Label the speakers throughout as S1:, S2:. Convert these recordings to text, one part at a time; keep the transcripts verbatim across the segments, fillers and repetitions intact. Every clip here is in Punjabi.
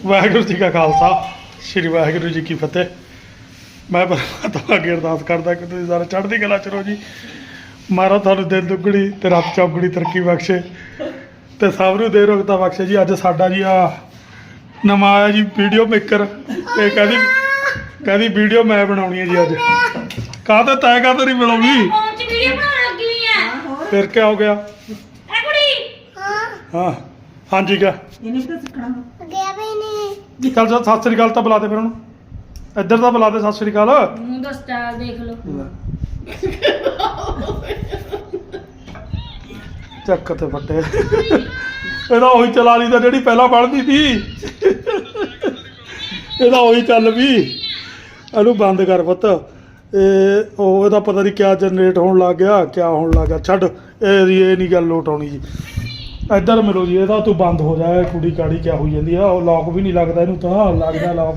S1: ਵਾਹਿਗੁਰੂ ਜੀ ਕਾ ਖਾਲਸਾ ਸ਼੍ਰੀ ਵਾਹਿਗੁਰੂ ਜੀ ਕੀ ਫਤਿਹ। ਮੈਂ ਪਰਮਾਤਮਾ ਅੱਗੇ ਅਰਦਾਸ ਕਰਦਾ ਕਿ ਤੁਸੀਂ ਸਾਰੇ ਚੜ੍ਹਦੀ ਕਲਾ ਚ ਰਹੋ ਜੀ। ਮਾਰਾ ਤੁਹਾਨੂੰ ਦਿਨ ਦੁੱਗਣੀ ਤੇ ਰਾਤ ਚੌਗੁਣੀ ਤਰੱਕੀ ਬਖਸ਼ੇ ਤੇ ਸਭ ਨੂੰ ਦੇ ਰੋਗਤਾ ਬਖਸ਼ੇ ਜੀ। ਅੱਜ ਸਾਡਾ ਜੀ ਆ ਨਵਾਂ ਆਇਆ ਜੀ ਵੀਡੀਓ ਮੇਕਰ ਤੇ ਕਹਿੰਦੀ ਕਹਿੰਦੀ ਵੀਡੀਓ ਮੈਂ ਬਣਾਉਣੀ ਹੈ ਜੀ। ਅੱਜ ਕਾਹਤੇ ਤੈਅ ਕਾਹਤੇ ਨਹੀਂ ਬਣਾਉਣੀ
S2: ਵੀਡੀਓ ਬਣਾਉਣ ਲੱਗੀ ਹੋਈ ਆ।
S1: ਫਿਰ ਕਿਆ ਹੋ ਗਿਆ?
S2: ਐ ਕੁੜੀ
S1: ਹਾਂ ਹਾਂਜੀ ਕਿਆ
S3: ਇਹਨੇ ਵੀ ਤਾਂ ਸਿੱਖਣਾ
S2: ਗਿਆ ਵੀ ਨਹੀਂ।
S1: ਚੱਲ ਚੱਲ ਸਤਿ ਸ੍ਰੀ ਅਕਾਲ ਤਾਂ ਬੁਲਾ ਦੇ ਫਿਰ ਉਹਨੂੰ। ਇੱਧਰ ਤਾਂ ਬੁਲਾ ਦੇ ਸਤਿ ਸ੍ਰੀ ਅਕਾਲ।
S2: ਮੂੰਹ ਦਾ ਸਟਾਈਲ ਦੇਖ ਲਓ।
S1: ਚੱਕ ਤੇ ਫੱਟੇ ਇਹਦਾ ਉਹੀ ਚਲਾ ਲਈ ਤਾਂ ਜਿਹੜੀ ਪਹਿਲਾਂ ਬਣਦੀ ਸੀ। ਇਹਦਾ ਉਹੀ ਚੱਲ ਵੀ। ਇਹਨੂੰ ਬੰਦ ਕਰ ਪੁੱਤ। ਇਹ ਉਹ ਇਹਦਾ ਪਤਾ ਨਹੀਂ ਕਿਆ ਜਨਰੇਟ ਹੋਣ ਲੱਗ ਗਿਆ ਕਿਆ ਹੋਣ ਲੱਗ ਗਿਆ। ਛੱਡ ਇਹਦੀ ਇਹ ਨਹੀਂ ਗੱਲ ਲੋਟ ਆਉਣੀ ਜੀ। ਇੱਧਰ ਮਿਲੋ ਜੀ। ਇਹਦਾ ਤੂੰ ਬੰਦ ਹੋ ਜਾ। ਕੁੜੀ ਕਾੜੀ ਕਿਆ ਹੋਈ ਜਾਂਦੀ ਆ। ਉਹ ਲੌਕ ਵੀ ਨਹੀਂ ਲੱਗਦਾ ਇਹਨੂੰ ਤਾਂ ਲੱਗਦਾ ਲੌਕ।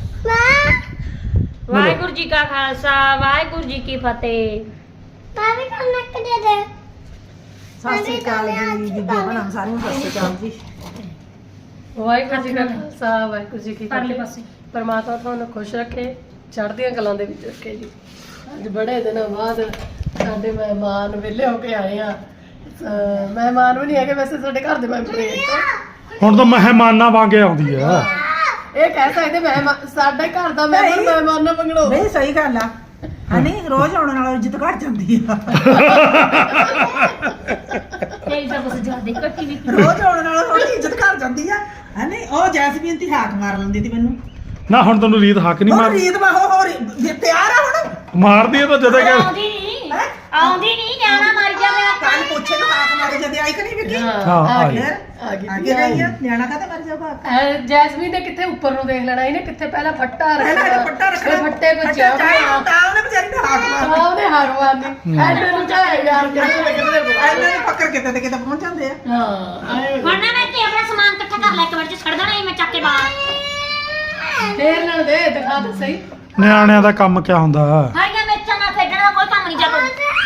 S2: ਵਾਹਿਗੁਰੂ ਜੀ ਕਾ ਖਾਲਸਾ ਵਾਹਿਗੁਰੂ ਜੀ ਕੀ ਫਤਿਹ। ਤਾਂ ਵੀ ਕੰਮ ਨੱਕ ਦੇ ਦੇ।
S3: ਸਤਿ ਸ੍ਰੀ ਅਕਾਲ ਜੀ ਬੀਬੀ ਬਣਾ ਸਾਰਿਆਂ ਨੂੰ ਸਤਿ ਸ੍ਰੀ ਅਕਾਲ ਜੀ।
S4: ਵਾਹਿਗੁਰੂ ਜੀ ਕਾ ਖਾਲਸਾ ਵਾਹਿਗੁਰੂ ਜੀ ਕੀ
S2: ਪਰਲੇ
S4: ਫਤਿਹ।
S2: ਪਾਸੇ
S4: ਪਰਮਾਤਮਾ ਤੁਹਾਨੂੰ ਖੁਸ਼ ਰੱਖੇ, ਚੜ੍ਹਦੀਆਂ ਕਲਾਂ ਦੇ ਵਿੱਚ ਰੱਖੇ ਜੀ। ਅੱਜ ਬੜੇ ਦਿਨਾਂ ਬਾਅਦ ਸਾਡੇ ਮਹਿਮਾਨ ਵਿਹਲੇ ਹੋ ਕੇ ਆਏ ਆ। ਅਹ ਮਹਿਮਾਨ ਵੀ ਨਹੀਂ ਹੈਗੇ ਵੈਸੇ ਸਾਡੇ ਘਰ ਦੇ ਮੈਂਬਰ ਹੀ ਆ।
S1: ਹੁਣ ਤਾਂ ਮਹਿਮਾਨਾਂ ਵਾਂਗੇ ਆਉਂਦੀ ਆ।
S4: ਇਹ ਕਹਿ ਸਕਦੇ ਮਹਿਮਾਨ ਸਾਡੇ ਘਰ ਦਾ ਮੈਂਬਰ ਮਹਿਮਾਨਾਂ ਮੰਗਣੋ।
S3: ਨਹੀਂ ਸਹੀ ਗੱਲ ਆ। ਹਨੀ ਰੋਜ਼ ਆਉਣ ਨਾਲ ਇੱਜ਼ਤ ਘਟ ਜਾਂਦੀ ਆ।
S2: ਤੇਰੀ ਤਾਂ ਕੁਛ ਜ਼ਿਆਦਾ ਕੱਟੀ ਵੀ।
S3: ਰੋਜ਼ ਆਉਣ ਨਾਲ ਥੋੜੀ ਇੱਜ਼ਤ ਘਟ ਜਾਂਦੀ ਆ। ਹਨੀ ਉਹ ਜੈਸਮੀਨ ਦੀ ਹਾਕ ਮਾਰ ਲੈਂਦੀ ਸੀ ਮੈਨੂੰ।
S1: ਨਾ ਹੁਣ ਤੈਨੂੰ ਰੀਤ ਹੱਕ ਨਹੀਂ
S3: ਉਹ
S1: ਮਾਰ
S3: ਰੀਤ ਮਾ ਹੋ ਹੋ ਰਹੀ- ਤਿਆਰ ਆ ਹੁਣ।
S1: ਮਾਰਦੀ ਹੈ ਤਾਂ ਜਦੋਂ ਕਿ
S2: ਆਉਂਦੀ ਨਹੀਂ ਆਉਂਦੀ ਨਹੀਂ ਨਿਆਣਾ ਮਰ ਜਾਵੇ
S3: ਕੱਲ ਪੁੱਛੇ ਨੂੰ ਹਾਕ ਮਾਰੀ ਜਦ ਆਈ ਕਿ ਨਹੀਂ ਵਿਕੀ।
S1: ਹਾਂ,
S4: ਆ
S1: ਆ
S4: ਗਈ
S3: ਫਿਰ
S4: ਆ ਗਈ
S3: ਅੱਗੇ ਗਈ ਆ ਨਿਆਣਾ ਕਾਹਤੇ ਮਰ ਜਾਊਗਾ।
S4: ਐ ਜੈਸਮੀਨ ਨੇ ਕਿੱਥੇ ਉੱਪਰ ਨੂੰ ਦੇਖ ਲੈਣਾ। ਇਹਨੇ ਕਿੱਥੇ ਪਹਿਲਾਂ ਫੱਟਾ
S3: ਪਹਿਲਾਂ
S4: ਰੱਖਣਾ।
S3: ਇਹ ਪੱਟਾ ਰੱਖਣਾ।
S4: ਫਿਰ ਫੱਟੇ ਕੋ
S3: ਅੱਛਾ, ਚਾਹੀ
S4: ਚਾਹ
S3: ਤਾਂ ਉਹਨੇ ਵਿਚਾਰੀ ਨੇ ਹਾਕ ਮਾਰ
S4: ਹਾਂ ਉਹਨੇ ਹਾਰ ਮਾਰਨੀ। ਐਡੇ ਨੂੰ ਚਾਹੇ ਯਾਰ ਕਿਹੜੇ ਕਿਹੜੇ
S3: ਇਹਨਾਂ ਨੇ ਫੱਕਰ ਕਿਤੇ ਤੇ ਕਿਤੇ ਪਹੁੰਚ ਜਾਂਦੇ ਆ।
S4: ਹਾਂ ਆਏ
S2: ਹੁਣ ਨਾ ਮੈਂ ਤੇ ਆਪਣਾ ਸਮਾਨ ਇਕੱਠਾ ਕਰ ਲੈ ਇੱਕ ਵਾਰ ਚ ਛੱਡ ਦੇਣਾ ਸੀ ਮੈਂ ਚੱਕ ਕੇ ਬਾਹਰ।
S4: ਫੇਰ ਨਾ ਦੇ ਦਿਖਾ ਤਾਂ ਸਹੀ।
S1: ਨਿਆਣਿਆਂ ਦਾ ਕੰਮ ਕਿਆ ਹੁੰਦਾ।
S2: ਹਰੀਆਂ ਮਿਰਚਾਂ ਨਾਲ ਖੇਡਣ ਦਾ ਕੋਈ ਕੰਮ ਨਹੀਂ ਚੱਲਦਾ।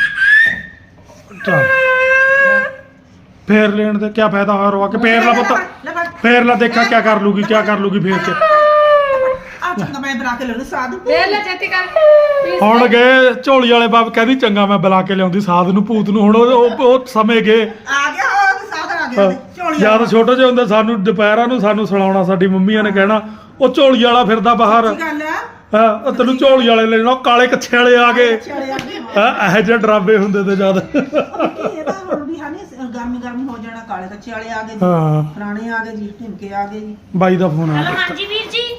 S1: ਚੱਲ ਫੇਰ ਲੈਣ ਦੇ ਕਿਆ ਫਾਇਦਾ ਹੋਇਆ ਰਵਾ ਕੇ। ਫੇਰ ਲਾ ਪੁੱਤ
S3: ਲੈ ਫੜ
S1: ਫੇਰ ਲਾ ਦੇਖਾ ਕਿਆ ਕਰ ਲੂਗੀ ਕਿਆ ਕਰ ਲੂਗੀ ਫੇਰ ਚ।
S3: ਆ ਚੰਗਾ ਮੈਂ ਬਣਾ ਕੇ ਲੈਣੀ ਸਾਧੂ।
S4: ਫੇਰ ਲੈ ਛੇਤੀ ਕਰ।
S1: ਹੁਣ ਗਏ ਝੋਲੀ ਵਾਲੇ ਬਾਬ ਕਹਿੰਦੀ ਚੰਗਾ ਮੈਂ ਬੁਲਾ ਕੇ ਲਿਆਉਂਦੀ ਸਾਧ ਨੂੰ ਭੂਤ ਨੂੰ। ਹੁਣ ਉਹ ਉਹ- ਉਹ ਸਮੇਂ ਗਏ।
S3: ਆ ਗਿਆ ਉਹ ਸਾਧਨ ਆ ਗਿਆ ਝੋਲੀ
S1: ਜਦ ਛੋਟੇ ਜਿਹੇ ਹੁੰਦੇ ਸਾਨੂੰ ਦੁਪਹਿਰਾਂ ਨੂੰ ਸਾਨੂੰ ਸੁਣਾਉਣਾ ਸਾਡੀ ਮੰਮੀਆਂ ਨੇ ਕਹਿਣਾ ਉਹ ਝੋਲੀ ਵਾਲਾ ਫਿਰਦਾ ਬਾਹਰ।
S3: ਕੀ ਗੱਲ ਆ
S1: ਹਾਂ ਉਹ ਤੈਨੂੰ ਝੋਲੀ ਵਾਲੇ ਲੈਣਾ। ਉਹ ਕਾਲੇ ਕੱਛੇ ਵਾਲੇ ਆ ਗਏ।
S3: ਚਲੇ ਆ ਗਏ।
S1: ਹਾਂ ਇਹੋ ਜਿਹੇ ਡਰਾਵੇ ਹੁੰਦੇ ਤੇ ਜਦ।
S3: ਇਹ ਤਾਂ ਹੁਣ ਵੀ ਹਨੀ ਗਰਮੀ ਗਰਮੀ ਹੋ ਜਾਣਾ। ਕਾਲੇ ਕੱਚੇ ਵਾਲੇ ਆ ਗਏ ਜੀ।
S1: ਹਾਂ
S3: ਪੁਰਾਣੇ ਆ ਗਏ ਜੀ ਢਿਮਕੇ ਆ ਗਏ ਜੀ।
S1: ਬਾਈ ਦਾ ਫੋਨ ਆ
S2: ਹਲੋ ਹਾਂਜੀ ਵੀਰ ਜੀ।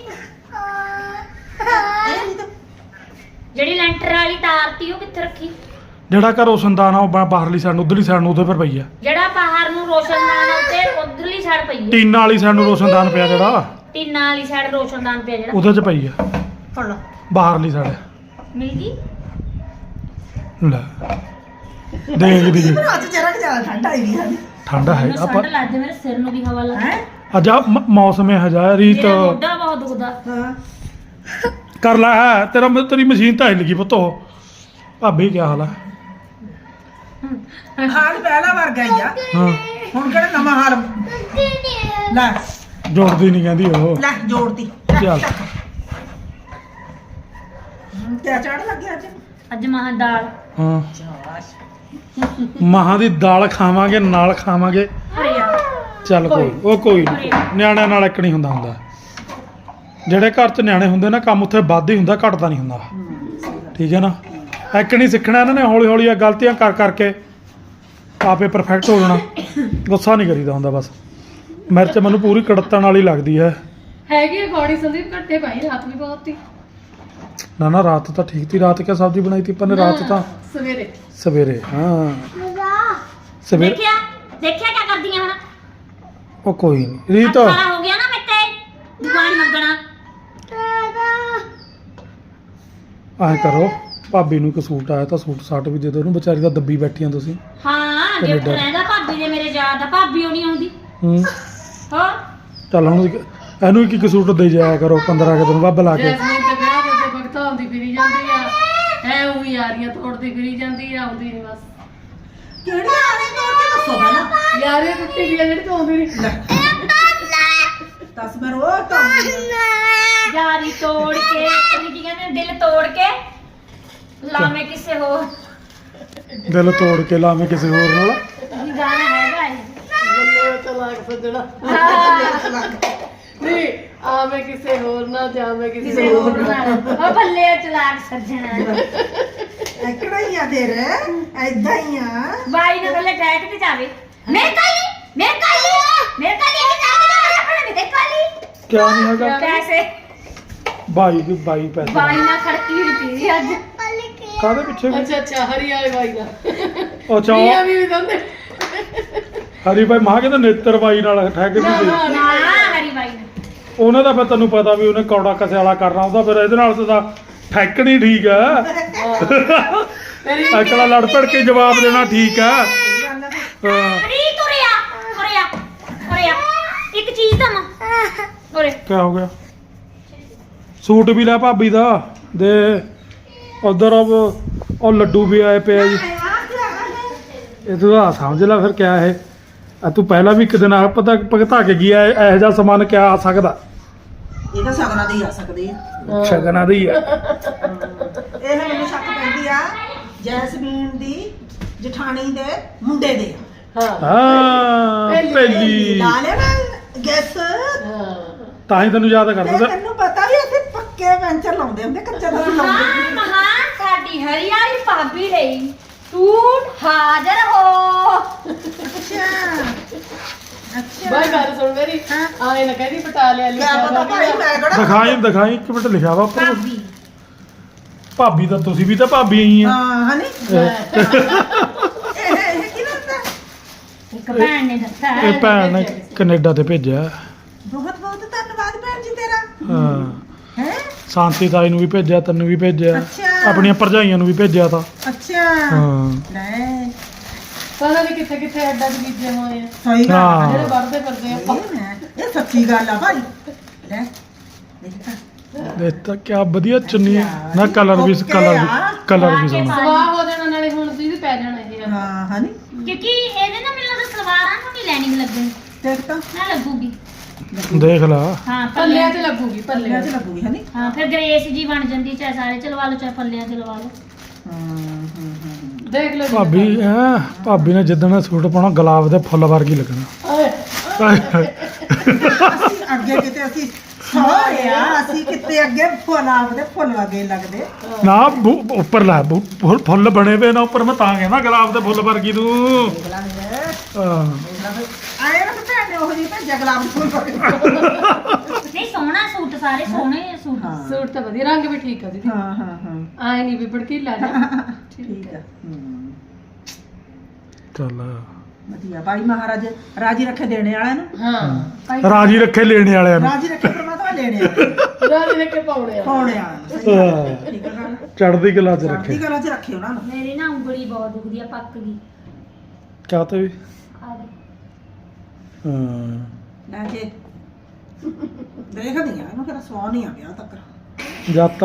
S3: ਇਹ ਨਹੀਂ ਤਾਂ
S2: ਜਿਹੜੀ ਲੈਂਟਰ ਵਾਲੀ ਤਾਰ ਤੀ ਉਹ ਕਿੱਥੇ ਰੱਖੀ?
S1: ਜਿਹੜਾ ਘਰ ਰੋਸ਼ਨਦਾਨ ਆ ਉਹ ਬਾ- ਬਾਹਰਲੀ ਸਾਈਡ ਨੂੰ ਉਧਰਲੀ ਸਾਈਡ ਨੂੰ ਉਹਦੇ ਪਰ ਪਈ ਆ।
S2: ਜਿਹੜਾ ਬਾਹਰ ਨੂੰ ਰੋਸ਼ਨਦਾਨ ਉੱਤੇ ਉਧਰਲੀ ਸਾਈਡ ਪਈ ਹੈ।
S1: ਟੀਨਾ ਵਾਲੀ ਸਾਈਡ ਨੂੰ ਰੋਸ਼ਨਦਾਨ ਪਿਆ ਜਿਹੜਾ
S2: ਟੀਨਾਂ ਵਾਲੀ ਸਾਈਡ ਰੋਸ਼ਨਦਾਨ ਪਿਆ ਜਿਹੜਾ।
S1: ਉਹਦੇ ਚ ਪਈ ਆ
S3: ਫੜ ਲਾ।
S1: ਬਾਹਰਲੀ ਸਾਈਡ।
S2: ਮਿਲ ਗਈ।
S1: ਲੈ ਦੇਖਦੀ ਜੀ
S3: ਮੈਨੂੰ ਅੱਜ ਜਰਾ ਕਿ ਜ਼ਿਆਦਾ ਠੰਡ ਆਈ ਨਹੀਂ ਹਨੀ।
S1: ਠੰਡਾ ਹੈ
S2: ਮੈਨੂੰ
S1: ਆਪਾਂ
S2: ਠੰਡ ਲੱਗਦੀ ਮੇਰੇ ਸਿਰ ਨੂੰ ਵੀ ਹਵਾ ਲੱਗ।
S3: ਹੈ
S1: ਅੱਜ ਆ ਮ- ਮੌਸਮ ਇਹ ਹਜਾ ਰੀਤ
S2: ਮੇਰਾ ਮੋਢਾ ਬਹੁਤ ਦੁਖਦਾ।
S3: ਹਾਂ
S1: ਕਰ ਲੈ ਹੈ ਤੇਰਾ ਮ- ਤੇਰੀ ਮਸ਼ੀਨ ਤਾਂ ਹਿੱਲ ਗਈ ਪੁੱਤ। ਉਹ ਭਾਬੀ ਕੀ ਹਾਲ ਆ?
S3: ਹਾਲ ਪਹਿਲਾ ਵਰਗਾ ਹੀ ਆ।
S1: ਹਾਂ
S3: ਹੁਣ ਕਿਹੜਾ ਨਵਾਂ ਹਾਲ ਲੈ
S1: ਜੋੜਦੀ ਨਹੀਂ ਕਹਿੰਦੀ ਉਹ।
S3: ਲੈ ਜੋੜਤੀ
S1: ਚੱਲ
S3: ਕਿਆ ਚੜ ਲੱਗਿਆ ਅੱਜ।
S2: ਅੱਜ ਮਾਂ ਦਾਲ।
S1: ਹਾਂ ਮਾਹਾਂ ਦੀ ਦਾਲ ਖਾਵਾਂਗੇ ਨਾਲ ਖਾਵਾਂਗੇ।
S2: ਅਰੇ ਯਾਰ
S1: ਚੱਲ ਕੋਈ ਉਹ ਕੋਈ ਨਹੀਂ ਨਿਆਣਿਆਂ ਨਾਲ ਇੱਕ ਨਹੀਂ ਹੁੰਦਾ ਹੁੰਦਾ। ਜਿਹੜੇ ਘਰ 'ਚ ਨਿਆਣੇ ਹੁੰਦੇ ਨਾ ਕੰਮ ਉੱਥੇ ਵੱਧ ਹੀ ਹੁੰਦਾ ਘਟਦਾ ਨਹੀਂ ਹੁੰਦਾ। ਠੀਕ ਹੈ ਨਾ। ਇੱਕ ਨਹੀਂ ਸਿੱਖਣਾ ਇਹਨਾਂ ਨੇ ਹੌਲੀ ਹੌਲੀ ਇਹ ਗਲਤੀਆਂ ਕਰ ਕਰਕੇ ਆਪੇ ਪਰਫੈਕਟ ਹੋ ਜਾਣਾ। ਗੁੱਸਾ ਨਹੀਂ ਕਰੀਦਾ ਹੁੰਦਾ ਬਸ। ਮਿਰਚ ਮੈਨੂੰ ਪੂਰੀ ਕੜਤਣ ਵਾਲੀ ਲੱਗਦੀ ਹੈ।
S4: ਹੈਗੀ ਗੋੜੀ ਸੰਦੀਪ ਘੱਟੇ ਭਾਈ ਰਾਤ ਵੀ ਬਹੁਤ ਸੀ।
S1: ਨਾ ਨਾ ਰਾਤ ਤਾਂ ਠੀਕ ਸੀ। ਰਾਤ ਕਿਆ ਸਬਜ਼ੀ ਬਣਾਈ ਤੀ ਆਪਾਂ ਨੇ? ਰਾਤ ਤਾਂ
S4: ਸਵੇਰੇ
S1: ਸਵੇਰੇ ਹਾਂ ਸਵੇਰੇ।
S2: ਦੇਖਿਆ ਦੇਖਿਆ ਕੀ ਕਰਦੀਆਂ ਹੁਣ?
S1: ਉਹ ਕੋਈ ਨਹੀਂ ਰੀਤ
S2: ਸਾਰਾ ਹੋ ਗਿਆ ਨਾ ਮਿੱਤੇ ਦੁਕਾਨ ਮੰਗਣਾ।
S1: ਐਂ ਕਰੋ ਭਾਬੀ ਨੂੰ ਇੱਕ ਸੂਟ ਆਇਆ ਤਾਂ ਸੂਟ ਸਾਟ ਵੀ ਦੇ ਦਿਓ ਉਹਨੂੰ। ਵਿਚਾਰੀ ਤਾਂ ਦੱਬੀ ਬੈਠੀਆਂ ਤੁਸੀਂ।
S2: ਹਾਂ ਗਿਫਟ
S1: ਕੈਨੇਡਾ।
S2: ਰਹਿੰਦਾ ਭਾਬੀ ਦੇ ਮੇਰੇ ਯਾਦ ਆ। ਭਾਬੀ ਉਹ ਨਹੀਂ ਆਉਂਦੀ।
S1: ਹੂੰ
S2: ਹਾਂ
S1: ਚੱਲ ਹੁਣ ਇੱਕ- ਇਹਨੂੰ ਇੱਕ ਇੱਕ ਸੂਟ ਦੇ ਜਾਇਆ ਕਰੋ ਪੰਦਰਾਂ ਕੁ ਦਿਨ ਬਾਅਦ ਲਾ ਕੇ।
S4: ਜੈਸਮੀਨ ਤੇ ਵਿਆਹ ਦੇ ਤੇ ਭਗਤਾ ਹੁੰਦੀ ਫਿਰੀ ਜਾਂਦੀ ਆ। ਐ ਉਹੀ ਯਾਰੀਆਂ ਤੋੜਦੀ ਫਿਰੀ ਜਾਂਦੀ ਆ। ਆਉਂਦੀ ਨਹੀਂ ਬਸ।
S3: ਕਿਹੜੀ ਆਣੇ ਤੋੜ ਕੇ ਦੱਸੋ ਪਹਿਲਾਂ।
S4: ਯਾਰੀਆਂ ਟੁੱਟੀ ਗਈਆਂ ਜਿਹੜੀ ਤੋਂ ਆਉਂਦੀ ਨਹੀਂ।
S3: ਦਸ ਮੈਂ ਰੋਜ਼ ਧੋਂਦੀ ਆ।
S2: ਯਾਰੀ ਤੋੜ ਕੇ ਤੁਸੀਂ ਕੀ ਕਹਿੰਦੇ ਦਿਲ ਤੋੜ ਕੇ ਲਾਵੇਂ ਕਿਸੇ ਹੋਰ
S1: ਦਿਲ ਤੋੜ ਕੇ ਲਾਵੇਂ ਕਿਸੇ ਹੋਰ ਨਾਲ
S2: ਇਹ ਗਾਣਾ ਹੈਗਾ ਇਹ
S4: ਬੱਲੇ ਚਲਾਕ ਸੱਜਣਾ
S2: ਹਾਂ।
S4: ਨਹੀਂ ਆਵੇਂ ਕਿਸੇ ਹੋਰ ਨਾਲ ਜਾਵੇਂ ਕਿਸੇ
S2: ਕਿਸੇ
S4: ਹੋਰ
S2: ਹੋਰ
S4: ਨਾਲ
S2: ਨਾਲ ਉਹ ਬੱਲੇ ਚਲਾਕ ਸੱਜਣਾ
S3: ਐਕੜਾ ਹੀ ਆ ਤੇਰੇ ਐਦਾਂ ਹੀ ਆ।
S2: ਬਾਈ ਨੇ ਥੱਲੇ ਟੈਕ ਤੇ ਜਾਵੇ ਮੇਰੇ ਕਾਲੀ ਮੇਰੇ ਕਾਲੀ ਮੇਰੇ ਕਾਲੀ ਇਹ ਜਾਵੇ ਆਪਣੇ ਮੇਰੇ ਕਾਲੀ
S1: ਕਿਆ ਨਹੀਂ ਹੈਗਾ
S2: ਪੈਸੇ
S1: ਬਾਈ ਦੀ ਬਾਈ ਪੈਸੇ
S2: ਬਾਈ ਨਾਲ ਖੜਕੀ ਹੋਈ ਪਈ ਅੱਜ
S1: ਕਾਹਦੇ ਪਿੱਛੇ ਵੀ?
S4: ਅੱਛਾ ਅੱਛਾ ਹਰੀ ਵਾਲੇ ਬਾਈ ਦਾ
S1: ਅੱਛਾ
S4: ਮੀਆਂ ਵੀ ਦੰਦੇ
S1: ਹਰੀ ਬਾਈ ਮਾਂ ਕਹਿੰਦਾ ਨੇਤਰ ਬਾਈ ਨਾਲ ਠਹਿ ਕੇ
S4: ਨਾ,
S1: ਨਹੀਂ
S4: ਨਾ।
S2: ਨਾ ਹਰੀ ਬਾਈ ਨੇ
S1: ਉਹਨੇ ਤਾਂ ਫਿਰ ਤੈਨੂੰ ਪਤਾ ਵੀ ਉਹਨੇ ਕੌੜਾ ਕਸੇ ਵਾਲਾ ਕਰਨਾ ਉਹਦਾ ਫਿਰ ਇਹਦੇ ਨਾਲ ਤਾਂ ਠੈਕਣੀ ਠੀਕ ਆ
S4: ਮੇਰੀ
S1: ਅਕਲਾ ਲੜ ਪੜ ਕੇ ਜਵਾਬ ਦੇਣਾ ਠੀਕ ਆ ਹਾਂ
S2: ਰੀ ਤੁਰਿਆ ਤੁਰਿਆ ਤੁਰਿਆ ਇੱਕ ਚੀਜ਼ ਤਾਂ ਮਾਂ ਉਰੇ
S1: ਕਿਆ ਹੋ ਗਿਆ ਸੂਟ ਵੀ ਲੈ ਭਾਬੀ ਦਾ ਦੇ ਉਧਰ ਉਹ ਲੱਡੂ ਵੀ ਆਏ ਪਏ ਆ ਜੀ ਇਹ ਤੂੰ ਆ ਸਮਝ ਲੈ ਫਿਰ ਕਿਆ ਇਹ ਆ ਤੂੰ ਪਹਿਲਾਂ ਵੀ ਇੱਕ ਦਿਨ ਆ ਪਤਾ ਭਗਤਾ ਕੇ ਗਿਆ ਇਹੋ ਜਿਹਾ ਸਮਾਨ ਕਿਆ ਆ ਸਕਦਾ
S3: ਇਹ ਤਾਂ ਸਗਨਾਂ ਦੇ ਹੀ ਆ ਸਕਦੇ ਆ।
S1: ਸ਼ਗਨਾਂ ਦੀ ਆ
S3: ਇਹ ਮੈਨੂੰ ਸ਼ੱਕ ਪੈਂਦੀ ਆ ਜੈਸਮੀਨ ਦੀ ਜਠਾਣੀ ਦੇ ਮੁੰਡੇ ਦੇ ਆ।
S4: ਹਾਂ
S1: ਹਾਂ ਪਹਿਲੀ
S3: ਲਾ ਲੈ ਮੈਂ ਗੈਸ
S4: ਹਾਂ
S1: ਤਾਂ ਹੀ ਤੈਨੂੰ ਯਾਦ ਕਰਦਾ
S3: ਤੇ
S1: ਤਾ।
S3: ਤੈਨੂੰ ਪਤਾ ਵੀ ਅਸੀਂ ਪੱਕੇ ਪੈਂਚਰ ਲਾਉਂਦੇ ਹੁੰਦੇ ਕੱਚਾ ਤਾਂ ਅਸੀਂ ਲਾਉਂਦੇ
S2: ਮਹਾਨ ਮਹਾਨ ਸਾਡੀ ਹਰਿਆਲੀ ਭਾਬੀ ਲਈ ਸੂਟ ਹਾਜ਼ਰ ਹੋ
S3: ਅੱਛਾ ਅੱਛਾ
S4: ਬਾਈ ਗੱਲ ਸੁਣ ਮੇਰੀ ਆਏ ਨਾ ਕਹਿੰਦੀ ਪਟਾ ਲਿਆ
S3: ਕਿਆ ਪਤਾ ਭਾਈ ਮੈਂ ਕਿਹੜਾ
S1: ਦਿਖਾਈ ਦਿਖਾਈ ਇੱਕ ਮਿੰਟ ਲਿਖਿਆ ਵਾ ਉੱਪਰ।
S2: ਭਾਬੀ
S1: ਭਾਬੀ ਤਾਂ ਤੁਸੀਂ ਵੀ ਤਾਂ ਭਾਬੀ ਹੀ ਆ
S3: ਹਾਂ ਹਨੀ ਇਹ ਇਹ ਕੀ ਲੱਗਦਾ
S2: ਇੱਕ ਭੈਣ ਨੇ ਦੱਸਿਆ
S1: ਇਹ ਭੈਣ ਨੇ ਕੈਨੇਡਾ ਤੇ ਭੇਜਿਆ
S3: ਬਹੁਤ ਬਹੁਤ ਧੰਨਵਾਦ ਭੈਣ ਜੀ ਤੇਰਾ
S1: ਹਾਂ
S3: ਹੈ
S1: ਸ਼ਾਂਤੀ ਤਾਈ ਨੂੰ ਵੀ ਭੇਜਿਆ ਤੈਨੂੰ ਵੀ ਭੇਜਿਆ
S3: ਅੱਛਾ।
S1: ਆਪਣੀਆਂ ਭਰਜਾਈਆਂ ਨੂੰ ਵੀ ਭੇਜਿਆ ਤਾਂ
S3: ਅੱਛਾ
S1: ਹਾਂ
S3: ਲੈ
S4: ਪਤਾ ਨਹੀਂ ਕਿੱਥੇ ਕਿੱਥੇ ਅੱਡਾ ਚ ਬੀਜੇ ਹੋਏ ਆ
S3: ਸਹੀ ਗੱਲ
S1: ਹਾਂ।
S4: ਜਿਹੜੇ ਵੜਦੇ ਫਿਰਦੇ ਆ
S3: ਇਹ ਮੈਂ ਇਹ ਸੱਚੀ ਗੱਲ ਆ ਭਾਈ ਲੈ ਦੇਖ ਤਾਂ
S1: ਇਹ ਤਾਂ ਕਿਆ ਵਧੀਆ ਚੁੰਨੀ ਹੈ ਨਾ ਕਲਰ ਵੀ ਕਲਰ ਵੀ ਕਲਰ ਵੀ ਸੋਹਣਾ
S4: ਸਵਾਹ ਹੋ ਜਾਣਾ ਨਾਲੇ ਹੁਣ ਦੀਦੀ ਪੈ ਜਾਣਾ ਇਹ ਆ
S3: ਹਾਂ ਹਨੀ
S2: ਕਿਉਂਕਿ ਇਹਦੇ ਨਾਲ ਮੈਨੂੰ ਲੱਗਦਾ ਸਲਵਾਰਾਂ ਨੂੰ ਨਹੀਂ ਲੈਣੀ ਲੱਗਣੀ
S3: ਦੇਖ ਤਾਂ
S2: ਨਾ ਲੱਗੂਗੀ
S1: ਦੇਖ ਲਾ
S2: ਹਾਂ
S4: ਪੱਲਿਆਂ
S2: ਪੱਲਿਆਂ
S4: 'ਚ ਲੱਗੂਗੀ
S3: ਪੱਲਿਆਂ
S4: ਪੱਲਿਆਂ
S3: 'ਚ
S4: 'ਚ
S3: ਲੱਗੂਗੀ ਹਨੀ
S2: ਹਾਂ ਫਿਰ ਗ੍ਰੇਸ ਜੀ ਬਣ ਜਾਂਦੀ ਚਾਹੇ ਸਾਰੇ ਚਲਵਾ ਲਓ ਚਾਹੇ ਪੱਲਿਆਂ ਚ ਲਵਾ ਲਓ
S3: ਹਾਂ ਹਾਂ ਹਾਂ
S4: ਦੇਖ ਲਓ ਜੀ।
S1: ਭਾਬੀ ਹੈਂ ਭਾਬੀ ਨੇ ਜਿੱਦਣ ਸੂਟ ਪਾਉਣਾ ਗੁਲਾਬ ਦੇ ਫੁੱਲ ਵਰਗੀ ਲੱਗਣਾ
S4: ਓਏ
S3: ਅਸੀਂ ਅੱਗੇ ਕਿਤੇ ਅਸੀਂ ਸੋਹਰੇ ਆ ਅਸੀਂ ਕਿਤੇ ਅੱਗੇ ਫੁੱਲਾਂ ਦੇ ਫੁੱਲ ਵਗੇ ਲੱਗਦੇ
S1: ਨਾ ਬੂ- ਉੱਪਰ ਲੈ ਬੂ- ਫੁੱਲ- ਫੁੱਲ ਬਣੇ ਵੇ ਨਾ ਉੱਪਰ ਮੈਂ ਤਾਂ ਕਹਿੰਦਾ ਗੁਲਾਬ ਦੇ ਫੁੱਲ ਵਰਗੀ ਤੂੰ
S3: ਦੇਖ ਲਾਂਗੇ
S1: ਹਾਂ
S3: ਆਏ ਨਾ ਭੈਣ ਨੇ ਉਹ ਜਿਹੀ ਭੇਜਿਆ ਗੁਲਾਬ ਦੇ ਫੁੱਲ ਵਗੇ
S2: ਨਹੀਂ ਸੋਹਣਾ ਸੂਟ ਸਾਰੇ ਸੋਹਣੇ ਆ ਸੂਟ
S3: ਹਾਂ
S4: ਸੂਟ ਤਾਂ ਵਧੀਆ ਰੰਗ ਵੀ ਠੀਕ ਆ ਦੀਦੀ
S3: ਹਾਂ ਹਾਂ ਹਾਂ
S4: ਆਏ ਨਹੀਂ ਵੀ ਭੜਕੀਲਾ ਜਾ
S3: ਠੀਕ ਆ ਹੂੰ
S1: ਚੱਲ
S3: ਵਧੀਆ ਭਾਈ ਮਹਾਰਾਜ ਰਾਜੀ ਰੱਖੇ ਦੇਣੇ ਵਾਲਿਆਂ ਨੂੰ
S4: ਹਾਂ
S1: ਰਾਜੀ ਰੱਖੇ ਲੈਣੇ ਵਾਲਿਆਂ ਨੂੰ
S3: ਰਾਜੀ ਰੱਖੇ ਪਰਮਾਤਮਾ ਲੈਣੇ ਵਾਲਿਆਂ
S4: ਰਾਜ ਦੇ ਕੇ ਪਾਉਣੇ ਆ
S3: ਪਾਉਣੇ ਵਾਲਿਆਂ ਨੂੰ ਸਹੀ ਗੱਲ ਹੈ। ਠੀਕ ਆ ਗੱਲ
S1: ਚੜਦੀ ਕਲਾ ਚ
S3: ਚੜ੍ਹਦੀ
S1: ਰੱਖੇ
S3: ਕਲਾ 'ਚ ਰੱਖੇ ਉਹਨਾਂ ਨੂੰ
S2: ਮੇਰੀ ਨਾ ਉਂਗਲੀ ਬਹੁਤ ਦੁਖਦੀ ਆ ਪੱਕ ਗਈ
S1: ਕਿਆ ਤੇ ਵੀ
S2: ਆ ਦੇ
S1: ਹਾਂ
S3: ਲੈ ਕੇ ਦੇਖਦੀ ਆ ਇਹਨੂੰ ਕਿਹੜਾ ਸਵਾਹ ਨਹੀਂ ਆ ਗਿਆ ਤੱਕ
S1: ਜਦ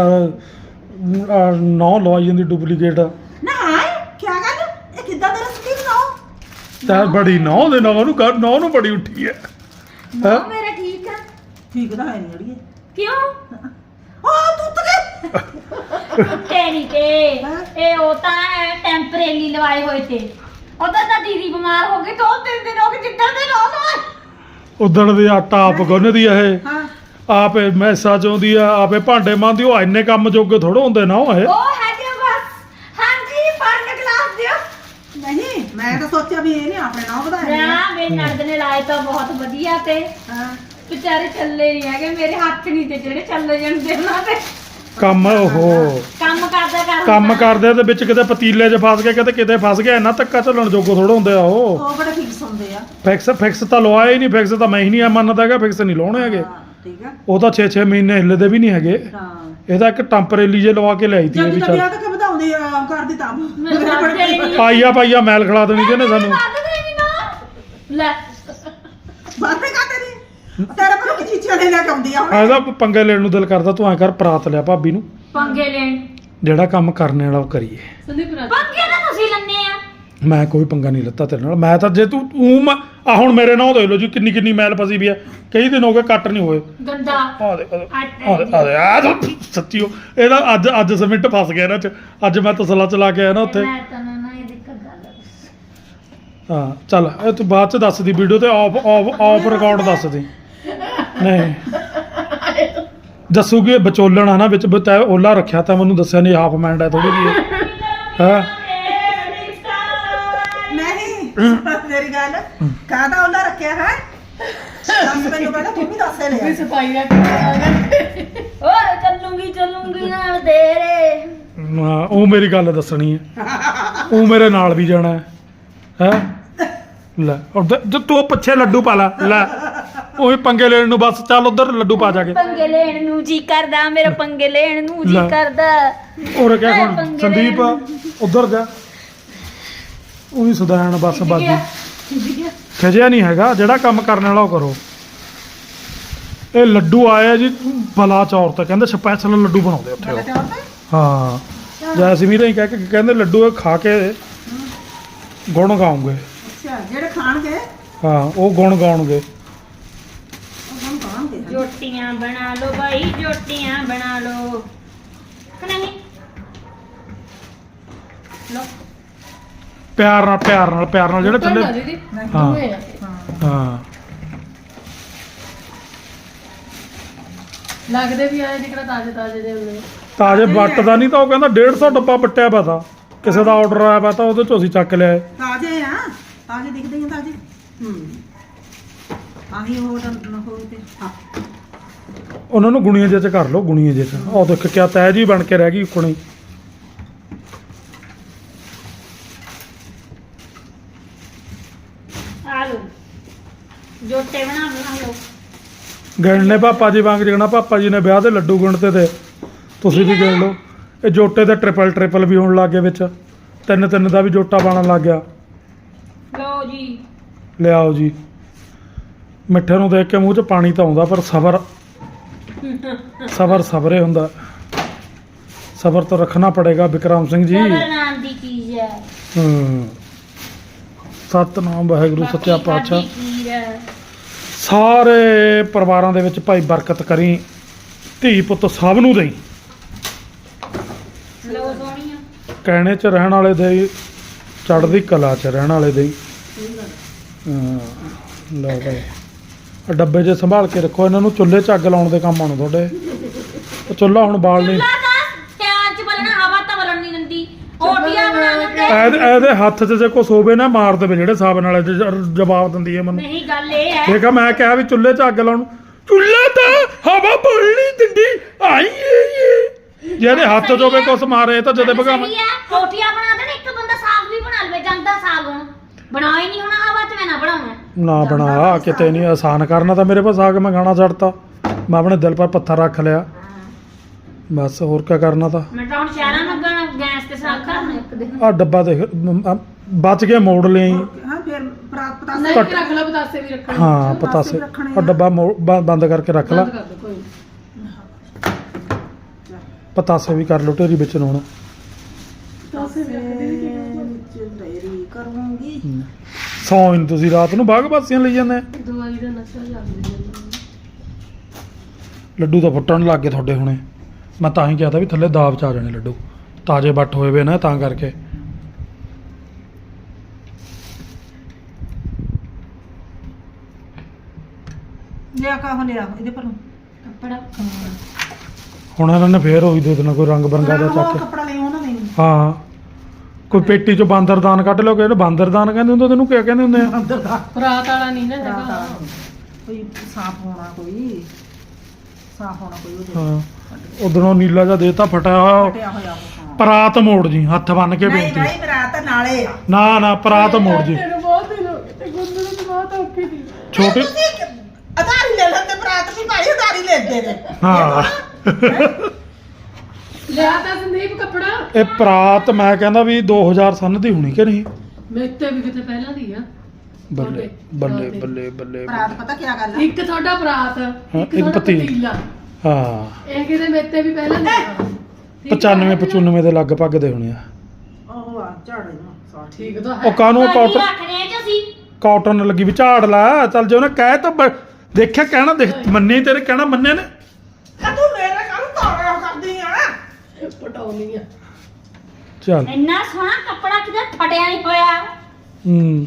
S1: ਤੱਕ ਨੌ ਲਵਾਈ ਜਾਂਦੀ ਡੁਪਲੀਕੇਟ
S3: ਨਾ ਕੀ ਗੱਲ ਇਹ ਕਿੱਦਾਂ ਦਾ ਰਸਤੀ ਬਣਾਓ
S1: ਤਾਂ ਬੜੀ ਨੌ ਦੇ ਨਾਲ ਉਹਨੂੰ ਕਰ ਨੌ ਨੂੰ ਬੜੀ ਉੱਠੀ ਹੈ
S2: ਨਾ ਮੇਰਾ ਠੀਕ ਆ
S3: ਠੀਕ ਤਾਂ ਹੈ ਨਹੀਂ ਅੜੀਏ
S2: ਕਿਉਂ
S3: ਆ ਤੂੰ ਤੱਕ
S2: ਤੇਰੀ ਤੇ ਇਹ ਉਹ ਤਾਂ ਟੈਂਪਰੇਰੀ ਲਵਾਏ ਹੋਏ ਤੇ ਉਧਰ ਤਾਂ ਦੀਦੀ ਬਿਮਾਰ ਹੋ ਗਈ ਦੋ ਤਿੰਨ ਦਿਨ ਹੋ ਗਏ ਜਿੱਦਾਂ ਦੇ ਰੋ ਲੋ
S1: ਉਦਣ ਦੇ ਆਟਾ ਆਪ ਗੁੰਨਦੀ ਆ ਇਹ
S3: ਹਾਂ
S1: ਆਪੇ ਮੈਸਾ ਚਾਉਂਦੀ ਆ ਆਪੇ ਭਾਂਡੇ ਮਾਂਦੀ ਉਹ ਇੰਨੇ ਕੰਮ ਜੋਗੇ ਥੋੜਾ ਹੁੰਦੇ ਨਾ ਉਹ ਇਹ
S2: ਉਹ ਹੈਗੇ ਬਸ ਹਾਂਜੀ ਫੜ ਗਲਾਸ ਦਿਓ
S3: ਨਹੀਂ ਮੈਂ ਤਾਂ ਸੋਚਿਆ ਵੀ ਇਹ ਨਹੀਂ ਆਪਣੇ ਨਾਲ ਵਧਾਏ
S2: ਨਾ ਮੇਰੇ ਨਣਦ ਨੇ ਲਾਏ ਤਾਂ ਬਹੁਤ ਵਧੀਆ ਤੇ
S3: ਹਾਂ
S2: ਵਿਚਾਰੇ ਚੱਲੇ ਨਹੀਂ ਹੈਗੇ ਮੇਰੇ ਹੱਥ ਨਹੀਂ ਤੇ ਜਿਹੜੇ ਚੱਲ ਜਾਂਦੇ ਉਹਨਾਂ ਤੇ
S1: ਕੰਮ ਉਹ
S2: ਕੰਮ ਕਰਦਾ ਕਰਦਾ
S1: ਕੰਮ ਕਰਦੇ ਤੇ ਵਿੱਚ ਕਿਤੇ ਪਤੀਲੇ 'ਚ ਫਸ ਗਿਆ ਕਿਤੇ ਕਿਤੇ ਫਸ ਗਿਆ ਇੰਨਾ ਧੱਕਾ ਚੱਲਣ ਜੋਗੋ ਥੋੜਾ ਹੁੰਦੇ ਆ ਉਹ
S3: ਉਹ ਬੜੇ ਫਿਕਸ ਹੁੰਦੇ ਆ
S1: ਫਿਕਸ ਫਿਕਸ ਤਾਂ ਲਵਾਇਆ ਹੀ ਨਹੀਂ ਫਿਕਸ ਤਾਂ ਮੈਂ ਹੀ ਨਹੀਂ ਮੰਨਦਾ ਹੈਗਾ ਫਿਕਸ ਨਹੀਂ ਲਾਉਣੇ ਹੈਗੇ
S3: ਹਾਂ ਠੀਕ ਆ
S1: ਉਹ ਤਾਂ ਛੇ ਛੇ ਮਹੀਨੇ ਹਿੱਲਦੇ ਵੀ ਨਹੀਂ ਹੈਗੇ
S3: ਹਾਂ
S1: ਇਹਦਾ ਇੱਕ ਟੈਂਪਰੇਰੀ ਜੇ ਲਵਾ ਕੇ ਲਿਆਈ ਤੀ ਇਹ
S3: ਜਦ
S1: ਵੀ
S3: ਤੱਕ
S1: ਚੱਲ
S3: ਵਿਆਹ ਤੱਕ ਵਧਾਉਂਦੇ ਆ ਕਰਦੀ ਤਾਂ
S2: ਮੈਂ ਕਰਦੇ ਨਹੀਂ
S1: ਪਾਈਆ ਪਾਈਆ ਮੈਲ ਖਿਲਾ ਦੇਣੀ ਜਿਹਨੇ ਸਾਨੂੰ
S2: ਕਰਦੇ ਨਹੀਂ ਨਾ ਲੈ
S3: ਬਾਪੇ ਕਾਤੇ ਨਹੀਂ ਤੇਰੇ ਕੋਲ ਕੀ ਚੀਜ਼ਾਂ ਲੈ ਕੇ ਆਉਂਦੀ ਆ ਹੁਣ
S1: ਇਹਦਾ ਪੰਗੇ ਲੈਣ ਨੂੰ ਦਿਲ ਕਰਦਾ ਤੂੰ ਐ ਕਰ ਪਰਾਤ ਲਿਆ ਭਾਬੀ ਨੂੰ
S2: ਪੰਗੇ ਲੈਣ
S1: ਜਿਹੜਾ ਕੰਮ ਕਰਨੇ ਵਾਲਾ ਉਹ ਕਰੀਏ
S4: ਸੰਦੀਪ ਰਾਜ
S2: ਪੰਗੇ ਤਾਂ ਤੁਸੀਂ ਲੰਨੇ ਆ
S1: ਮੈਂ ਕੋਈ ਪੰਗਾ ਨਹੀਂ ਲੱਤਾ ਤੇਰੇ ਨਾਲ। ਮੈਂ ਤਾਂ ਜੇ ਤੂੰ ਤੂੰ ਆ ਹੁਣ ਮੇਰੇ ਨਾਲ ਦੇਖ ਲਓ ਜੀ ਕਿੰਨੀ ਕਿੰਨੀ ਮੈਲ ਫਸੀ ਵੀ ਆ, ਕਈ ਦਿਨ ਹੋ ਗਏ ਕੱਟ ਨਹੀਂ ਹੋਏ।
S2: ਗੰਦਾ
S1: ਆ ਦੇ ਆ ਦੇ ਆ ਦੇ ਆ ਦੇ ਸੱਚੀ ਉਹ ਇਹਦਾ ਅੱਜ ਅੱਜ ਸमिंट ਫਸ ਗਿਆ ਇਹਨਾਂ ਚ। ਅੱਜ ਮੈਂ ਤਸਲਾ ਚਲਾ ਕੇ ਆਇਆ ਨਾ ਉੱਥੇ।
S2: ਮੈਂ ਤਾਂ ਨਾ ਇਹਦੀ ਇੱਕ ਗੱਲ ਦੱਸ।
S1: ਹਾਂ ਚੱਲ ਇਹ ਤੂੰ ਬਾਅਦ ਚ ਦੱਸ ਦੀ ਵੀਡੀਓ ਤੇ ਆਫ ਆਫ ਆਫ ਰਿਕਾਰਡ ਦੱਸ ਦੀ। ਨਹੀਂ ਦੱਸੂਗੀ ਵਿਚੋਲਣ ਆ ਨਾ ਵਿੱਚ ਤੈਂ ਓਲਾ ਰੱਖਿਆ ਤਾਂ ਮੈਨੂੰ ਦੱਸਿਆ ਨਹੀਂ ਹਾਫ ਮੈਂਡ ਹੈ ਥੋੜੀ ਜਿਹੀ ਹਾਂ
S3: ਨਹੀਂ ਮੇਰੀ ਗੱਲ ਕਾਹਦਾ ਉਹਦਾ ਰੱਖਿਆ ਹੈ ਦੱਸ ਮੈਨੂੰ ਪਹਿਲਾਂ ਤੂੰ ਵੀ ਦੱਸ
S4: ਵੀ
S3: ਲੈ
S4: ਸਫਾਈ ਰੱਖ ਕੇ
S2: ਓਏ ਚੱਲੂਗੀ ਚੱਲੂਗੀ ਨਾਲ ਤੇਰੇ।
S1: ਹਾਂ, ਉਹ ਮੇਰੀ ਗੱਲ ਦੱਸਣੀ ਹੈ, ਉਹ ਮੇਰੇ ਨਾਲ ਵੀ ਜਾਣਾ ਹੈ ਹੈ ਲੈ ਉੱਧਰ ਜੇ ਤੂੰ ਪਿੱਛੇ ਲੱਡੂ ਪਾ ਲੈ ਲੈ ਉਹੀ ਪੰਗੇ ਲੈਣ ਨੂੰ ਬਸ ਚੱਲ ਉਧਰ ਲੱਡੂ ਪਾ ਜਾ ਕੇ।
S2: ਪੰਗੇ ਲੈਣ ਨੂੰ ਜੀ ਕਰਦਾ ਮੇਰਾ, ਪੰਗੇ ਲੈਣ ਨੂੰ ਜੀ
S1: ਲੈ।
S2: ਕਰਦਾ।
S1: ਹੋਰ ਕਿਆ ਹੁਣ
S2: ਪੰਗੇ
S1: ਸੰਦੀਪ ਉਧਰ ਜਾ ਉਹੀ ਸੁਧਾਰਨ ਬਸ ਬਾਜੀ ਖਿਜਿਆ ਨਹੀਂ ਹੈਗਾ, ਜਿਹੜਾ ਕੰਮ ਕਰਨ ਵਾਲਾ ਉਹ ਕਰੋ। ਇਹ ਲੱਡੂ ਆਏ ਜੀ ਬਲਾ ਚੌਰ ਤੇ ਕਹਿੰਦੇ ਸਪੈਸ਼ਲ ਲੱਡੂ ਬਣਾਉਂਦੇ ਉੱਥੇ ਉਹ। ਹਾਂ ਜੈਸਮੀਨ ਹੀ ਕਹਿ ਕੇ ਕਹਿੰਦੇ ਲੱਡੂ ਇਹ ਖਾ ਕੇ ਗੁਣ ਗਾਉਂਗੇ।
S3: ਅੱਛਾ ਜਿਹੜੇ ਖਾਣਗੇ
S1: ਹਾਂ ਉਹ ਗੁਣ ਗਾਉਣਗੇ।
S3: ਉਹ ਕੰਮ ਖਾਣਗੇ
S2: ਜੋਟੀਆਂ ਬਣਾ ਲਓ ਭਾਈ, ਜੋਟੀਆਂ ਬਣਾ ਲਓ ਕਿ ਨਹੀਂ? ਲੋ
S1: ਪਿਆਰ ਨਾਲ ਪਿਆਰ ਨਾਲ ਪਿਆਰ ਨਾਲ ਜਿਹੜੇ
S4: ਟੁੱਟਣ ਨਾ
S1: ਥੱਲੇ
S4: ਦੀਦੀ
S1: ਹਾਂ।
S4: ਦੋਵੇਂ ਆ।
S1: ਹਾਂ
S4: ਲੱਗਦੇ ਵੀ ਆਏ ਜਿਕੜਾ ਤਾਜ਼ੇ ਤਾਜ਼ੇ ਦੇ ਹੁੰਦੇ।
S1: ਤਾਜੇ ਵੱਟਦਾ ਨਹੀਂ ਤਾਂ ਉਹ ਕਹਿੰਦਾ ਡੇਢ ਸੌ ਡੱਬਾ ਵੱਟਿਆ ਪਿਆ ਤਾ, ਕਿਸੇ ਦਾ ਆਰਡਰ ਆਇਆ ਪਿਆ ਤਾਂ ਉਹਦੇ ਚੋਂ ਅਸੀਂ ਚੱਕ ਲਿਆ।
S3: ਤਾਜ਼ੇ ਆ ਤਾਜ਼ੇ ਦਿਖਦੇ ਆ ਤਾਜ਼ੇ ਹੂੰ ਆਹੀ ਉਹ ਨਾ ਹੋਵੇ ਤੇ ਹਾਂ
S1: ਉਹਨਾਂ ਨੂੰ ਗੁਣੀਆਂ ਜਿਹੇ ਚ ਕਰ ਲਓ, ਗੁਣੀਆਂ ਜਿਹੇ ਚ। ਉਹ ਦੇਖ ਕਿਆ ਤੈ ਜੀ ਬਣ ਕੇ ਰਹਿ ਗਈ ਕੁਣੀ।
S2: ਆ ਲਓ ਜੋਟੇ ਬਣਾ ਬਣਾ ਲਓ।
S1: ਗਿਣਨੇ ਪਾਪਾ ਜੀ ਵਾਂਗ ਜਿਗਣਾ ਪਾਪਾ ਜੀ ਨੇ ਵਿਆਹ ਦੇ ਲੱਡੂ ਗਿਣਤੇ ਤੇ ਤੁਸੀਂ ਵੀ ਗਿਣ ਲਓ। ਇਹ ਜੋਟੇ ਦੇ ਟ੍ਰਿਪਲ ਟ੍ਰਿਪਲ ਵੀ ਹੋਣ ਲੱਗ ਗਏ ਵਿੱਚ, ਤਿੰਨ ਤਿੰਨ ਦਾ ਵੀ ਜੋਟਾ ਬਣਨ ਲੱਗ ਗਿਆ।
S2: ਲਓ ਜੀ
S1: ਲਿਆਓ ਜੀ। ਮਿੱਠੇ ਨੂੰ ਦੇਖ ਕੇ ਮੂੰਹ 'ਚ ਪਾਣੀ ਤਾਂ ਆਉਂਦਾ, ਪਰ ਸਬਰ ਸਬਰ ਸਬਰੇ ਹੁੰਦਾ। ਸਬਰ ਤਾਂ ਰੱਖਣਾ ਪੜੇਗਾ ਵਿਕਰਮ ਸਿੰਘ ਜੀ।
S2: ਸਬਰ ਨਾਮ ਦੀ ਚੀਜ਼ ਹੈ।
S1: ਹੂੰ ਸਤਨਾਮ ਵਾਹਿਗੁਰੂ ਸੱਚਾ
S2: ਬਾਕੀ
S1: ਪਾਤਸ਼ਾਹ
S2: ਸਾਡੀ ਖੀਰ ਹੈ।
S1: ਸਾਰੇ ਪਰਿਵਾਰਾਂ ਦੇ ਵਿੱਚ ਭਾਈ ਬਰਕਤ ਕਰੀ, ਧੀ ਪੁੱਤ ਸਭ ਨੂੰ ਦੇਈ।
S2: ਲਓ ਸੋਹਣੀਆਂ
S1: ਕਹਿਣੇ 'ਚ ਰਹਿਣ ਵਾਲੇ ਦੇ, ਚੜ੍ਹਦੀ ਕਲਾ 'ਚ ਰਹਿਣ ਵਾਲੇ ਦੇ। ਹਾਂ ਲਓ ਭਾਈ ਆਹ ਡੱਬੇ 'ਚ ਸੰਭਾਲ ਕੇ ਰੱਖੋ ਇਹਨਾਂ ਨੂੰ, ਚੁੱਲ੍ਹੇ 'ਚ ਅੱਗ ਲਾਉਣ ਦੇ ਕੰਮ ਆਉਣ ਤੁਹਾਡੇ। ਉਹ ਚੁੱਲ੍ਹਾ ਹੁਣ ਬਾਲ ਨਹੀਂ,
S2: ਚੁੱਲ੍ਹਾ ਤਾਂ ਧਿਆਨ ਚ ਬਲਣਾ, ਹਵਾ ਤਾਂ ਬਲਣ ਨਹੀਂ ਦਿੰਦੀ। ਓਟੀਆਂ ਬਣਾ ਲੈਂਦੇ।
S1: ਇਹਦੇ ਇਹਦੇ ਹੱਥ 'ਚ ਜੇ ਕੁਛ ਹੋਵੇ ਨਾ ਮਾਰ ਦੇਵੇ, ਜਿਹੜੇ ਹਿਸਾਬ ਨਾਲ ਇਹ ਜ- ਜਵਾਬ ਦਿੰਦੀ ਹੈ ਮੈਨੂੰ।
S2: ਨਹੀਂ ਗੱਲ ਇਹ ਹੈ
S1: ਦੇਖਾ ਮੈਂ ਕਿਹਾ ਵੀ ਚੁੱਲ੍ਹੇ 'ਚ ਅੱਗ ਲਾਉਣ, ਚੁੱਲ੍ਹਾ ਤਾਂ ਹਵਾ ਬੋਲ ਨਹੀਂ ਦਿੰਦੀ। ਆਈ ਇਹ ਜਿਹਦੇ ਹੱਥ 'ਚ ਹੋਵੇ ਕੁਛ ਮਾਰੇ ਤਾਂ ਜਦੇ ਭਗਾ।
S2: ਸਹੀ ਹੈ, ਰੋਟੀਆਂ ਬਣਾ ਦੇਣ, ਇੱਕ ਬੰਦਾ ਸਾਗ ਵੀ ਬਣਾ ਲਵੇ, ਜਾਂਦਾ ਸਾਗ ਹੁਣ ਬਣਾ ਹੀ ਨਹੀਂ ਹੋਣਾ, ਹਵਾ ਚ ਮੈਂ ਨਾ ਬਣਾਉਣਾ।
S1: ਨਾ ਬਣਾ ਕਿਤੇ ਨਹੀਂ, ਆਸਾਨ ਕਰਨਾ ਤਾਂ ਮੇਰੇ ਪਾਸ ਆ ਕੇ ਮੈਂ ਗਾਣਾ ਛੱਡਤਾ, ਮੈਂ ਆਪਣੇ ਦਿਲ ਪਰ ਪੱਥਰ ਰੱਖ ਲਿਆ ਬਸ। ਹੋਰ ਕੀ ਕਰਨਾ ਤਾਂ।
S2: ਮੈਂ ਤਾਂ ਹੁਣ ਸ਼ਹਿਰਾਂ ਨੂੰ ਗਾਣਾ ਗੈਸ ਤੇ ਸਾਗ ਕਰਨਾ ਇੱਕ ਦਿਨ।
S1: ਆ ਡੱਬਾ ਦੇਖ ਮ- ਮ- ਬਚ ਕੇ ਮੋੜ ਲਈ।
S3: ਹਾਂ ਫਿਰ ਪ੍ਰਾਪ ਪਤਾ
S4: ਨਹੀਂ ਵੀ ਰੱਖ ਲੈ, ਪਤਾਸੇ ਵੀ ਰੱਖਣੇ।
S1: ਹਾਂ ਪਤਾਸੇ ਆ ਡੱਬਾ ਮੋੜ- ਬ- ਬੰਦ ਕਰਕੇ ਰੱਖ ਲਾ।
S4: ਬੰਦ ਕਰ ਦੋ ਕੋਈ ਨੀ।
S1: ਪਤਾਸੇ ਵੀ ਕਰ ਲਓ ਢੇਰੀ ਵਿੱਚ ਨੂੰ ਹੁਣ।
S4: ਪਤਾਸੇ ਵੀ ਰੱਖ ਦੇ
S3: ਚੁੱਲ੍ਹੇਰੀ ਕਰੂੰਗੀ
S1: ਸੌਂ ਨਹੀਂ ਤੁਸੀਂ ਰਾਤ ਨੂੰ ਬਾਗ ਬਾਸੀਆਂ ਲਈ ਜਾਂਦੇ ਆ।
S4: ਦਵਾਈ ਦਾ ਨਸ਼ਾ ਚੱਲ ਰਿਹਾ।
S1: ਲੱਡੂ ਤਾਂ ਫੁੱਟਣ ਲੱਗ ਗਏ ਤੁਹਾਡੇ ਹੁਣੇ। ਮੈਂ ਤਾਂ ਹੀ ਕਿਹਾ ਤਾ ਵੀ ਥੱਲੇ ਦਾਬ ਚ ਆ ਜਾਣੇ ਲੱਡੂ, ਤਾਜ਼ੇ ਵੱਟ ਹੋਏ ਵੇ ਨਾ ਤਾਂ ਕਰਕੇ।
S3: ਲਿਆ ਕਾਹ ਲਿਆ ਇਹਦੇ ਪਰ
S2: ਕੱਪੜਾ
S1: ਹੁਣ ਇਹਨਾਂ ਨੇ ਫੇਰ ਉਹੀ ਦੇ ਦੇਣਾ ਕੋਈ ਰੰਗ ਬਰੰਗਾ ਦਾ ਚੱਕ ਕੇ।
S3: ਕੱਪੜਾ ਲੈ ਉਹਨਾਂ ਨੇ
S1: ਹਾਂ ਕੋਈ ਪੇਟੀ ਚੋਂ ਬਾਂਦਰਦਾਨ ਕੱਢ ਲਓ, ਕਿ ਇਹਨੂੰ ਬਾਂਦਰਦਾਨ ਕਹਿੰਦੇ ਹੁੰਦੇ, ਤੈਨੂੰ ਕਿਆ ਕਹਿੰਦੇ ਹੁੰਦੇ ਆ?
S3: ਅੰਦਰ ਦਾ
S4: ਰਾਤ ਵਾਲਾ ਨਹੀਂ ਨਾ
S3: ਰਾਤ
S4: ਹੈਗਾ।
S3: ਵਾਲਾ। ਕੋਈ ਸਾਫ ਹੋਣਾ ਕੋਈ ਸਾਫ ਹੋਣਾ ਕੋਈ ਉਹਦੇ
S1: ਹਾਂ ਉਧਰੋਂ ਨੀਲਾ ਜਿਹਾ ਦੇਤਾ ਫਟਿਆ ਹੋਇਆ।
S3: ਫਟਿਆ ਹੋਇਆ ਉਹ ਹਾਂ।
S1: ਪਰਾਤ ਮੋੜ ਜੀ, ਹੱਥ ਬੰਨ ਕੇ
S3: ਨਹੀਂ
S1: ਬੇਨਤੀ।
S3: ਭਾਈ ਮੇਰਾ ਤਾਂ ਨਾਲੇ ਆ
S1: ਨਾ ਨਾ ਪਰਾਤ ਮੋੜ ਜੀ।
S4: ਤੈਨੂੰ ਬਹੁਤ ਦਿਨ ਹੋ ਗਏ ਤੇ ਗੁੰਦੂ ਨੂੰ ਬਹੁਤ ਔਖੀ ਸੀ।
S1: ਛੋਟੇ
S3: ਅਧਾਰੀ ਲੈ ਲੈਂਦੇ ਬਰਾਤ ਵੀ ਭਾਈ ਅਧਾਰੀ ਲੈਂਦੇ ਨੇ
S1: ਹਾਂ
S4: ਲਿਆ ਤਾਂ ਸੰਦੀਪ ਕੱਪੜਾ।
S1: ਇਹ ਪਰਾਤ ਮੈਂ ਕਹਿੰਦਾ ਵੀ ਦੋ ਹਜ਼ਾਰ ਸਨ ਦੀ ਹੋਣੀ ਕਿ ਨਹੀਂ?
S4: ਮੇਰੇ ਤੇ ਵੀ ਕਿਤੇ ਪਹਿਲਾਂ ਦੀ ਆ।
S1: ਬੱਲੇ ਬੱਲੇ ਬੱਲੇ ਬੱਲੇ
S3: ਬਰਾਤ ਪਤਾ ਕੀ ਗੱਲ ਆ
S4: ਇੱਕ ਤੁਹਾਡਾ ਬਰਾਤ, ਇੱਕ
S1: ਇੱਕ
S4: ਤੁਹਾਡਾ
S1: ਪਤੀਲ।
S4: ਪਤੀਲਾ।
S1: ਹਾਂ
S4: ਇਹ ਕਿਤੇ ਮੇਰੇ ਤੇ ਵੀ ਪਹਿਲਾਂ ਦੀ ਆ। ਠੀਕ ਆ?
S1: ਪਚਾਨਵੇਂ ਪਚਾਨਵੇਂ ਦੇ ਲਗਭਗ ਦੇ ਹੋਣੇ ਆ।
S3: ਉਹ ਆ ਝਾੜੇ ਨੂੰ
S4: ਹਾਂ ਠੀਕ ਤਾਂ
S1: ਉਹ
S4: ਹੈ
S1: ਕਾਹਨੂੰ
S2: ਭਾਜੀ
S1: ਕਾਟਨ
S2: ਰੱਖਦੇ ਆ ਜੀ ਅਸੀਂ
S1: ਕਾਟਨ ਲੱਗੀ ਵੀ ਝਾੜ ਲਾ ਚੱਲ ਜੇ ਉਹਨੇ ਕਹਿ ਤਾਂ ਬ- ਦੇਖਿਆ ਕਹਿਣਾ ਦੇਖ ਮੰਨੇ ਤੇਰੇ ਕਹਿਣਾ ਮੰਨੇ ਨੇ
S3: ਆ ਤੂੰ ਮੇਰੇ ਕੱਲ ਤਾੜਾ ਕਰਦੀ ਆ
S4: ਪਟਾਉਣੀ ਆ
S1: ਚੱਲ
S2: ਇੰਨਾ ਸੋਹਣਾ ਕੱਪੜਾ ਕਿਤੇ ਫਟਿਆ ਨਹੀਂ ਹੋਇਆ
S1: ਹੂੰ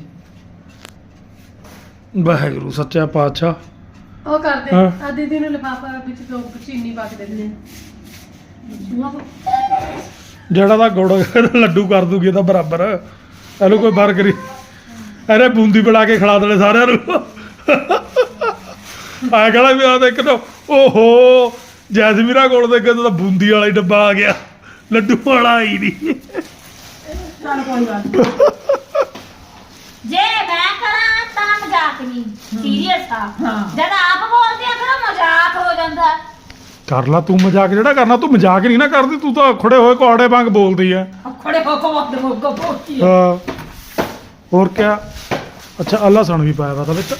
S1: ਵਾਹਿਗੁਰੂ ਸੱਚਾ ਪਾਤਸ਼ਾਹ
S4: ਉਹ ਕਰਦੇ
S1: ਹਾਂ।
S4: ਆ ਦੀਦੀ ਨੂੰ ਲਿਫਾਫਾ ਵਿੱਚ ਦੋ ਚੀਨੀ ਪਾ ਕੇ ਦੇ ਦਿੰਦੇ
S1: ਜਿਹੜਾ ਦਾ ਗੁੜ ਲੱਡੂ ਕਰ ਦੂਗੀ ਇਹਦਾ ਬਰਾਬਰ ਇਹਨੂੰ ਕੋਈ ਫਰਕ ਨਹੀਂ ਅਰੇ ਬੂੰਦੀ ਬਣਾ ਕੇ ਖਿਲਾ ਦੇਣੇ ਸਾਰਿਆਂ ਨੂੰ ਆ ਕਹਿੰਦਾ ਵੀ ਆ ਦੇਖ ਲੋ ਓਹੋ ਜੈਸਮੀਰਾ ਕੋਲ ਦੇ ਤਾਂ ਬੂੰਦੀ ਵਾਲਾ ਹੀ ਡੱਬਾ ਆ ਗਿਆ ਲੱਡੂ ਵਾਲਾ ਹੀ ਨਹੀਂ
S3: ਚੱਲ ਕੋਈ ਗੱਲ ਨੀ।
S2: ਜੇ ਮੈਂ ਕਰਾਂ ਤਾਂ ਮਜ਼ਾਕ ਨਹੀਂ ਸੀਰੀਅਸ ਆ
S3: ਹਾਂ।
S2: ਜਦ ਆਪ ਬੋਲਦੇ ਆ ਫਿਰ ਮਜ਼ਾਕ ਹੋ ਜਾਂਦਾ
S1: ਕਰ ਲਾ ਤੂੰ ਮਜ਼ਾਕ ਜਿਹੜਾ ਕਰਨਾ ਤੂੰ ਮਜ਼ਾਕ ਨਹੀਂ ਨਾ ਕਰਦੀ ਤੂੰ ਤਾਂ ਖੜੇ ਹੋਏ ਕੋੜੇ ਵਾਂਗ ਬੋਲਦੀ ਆ
S2: ਖੜੇ ਹੋ ਕੇ ਵਕਤ ਮੋਗਾ ਬੋਲਦੀ ਆ
S1: ਹਾਂ ਹੋਰ ਕਿਆ ਅੱਛਾ ਅੱਲਾ ਸਣ ਵੀ ਪਾਇਆ ਵਾ ਤਾਂ ਵਿੱਚ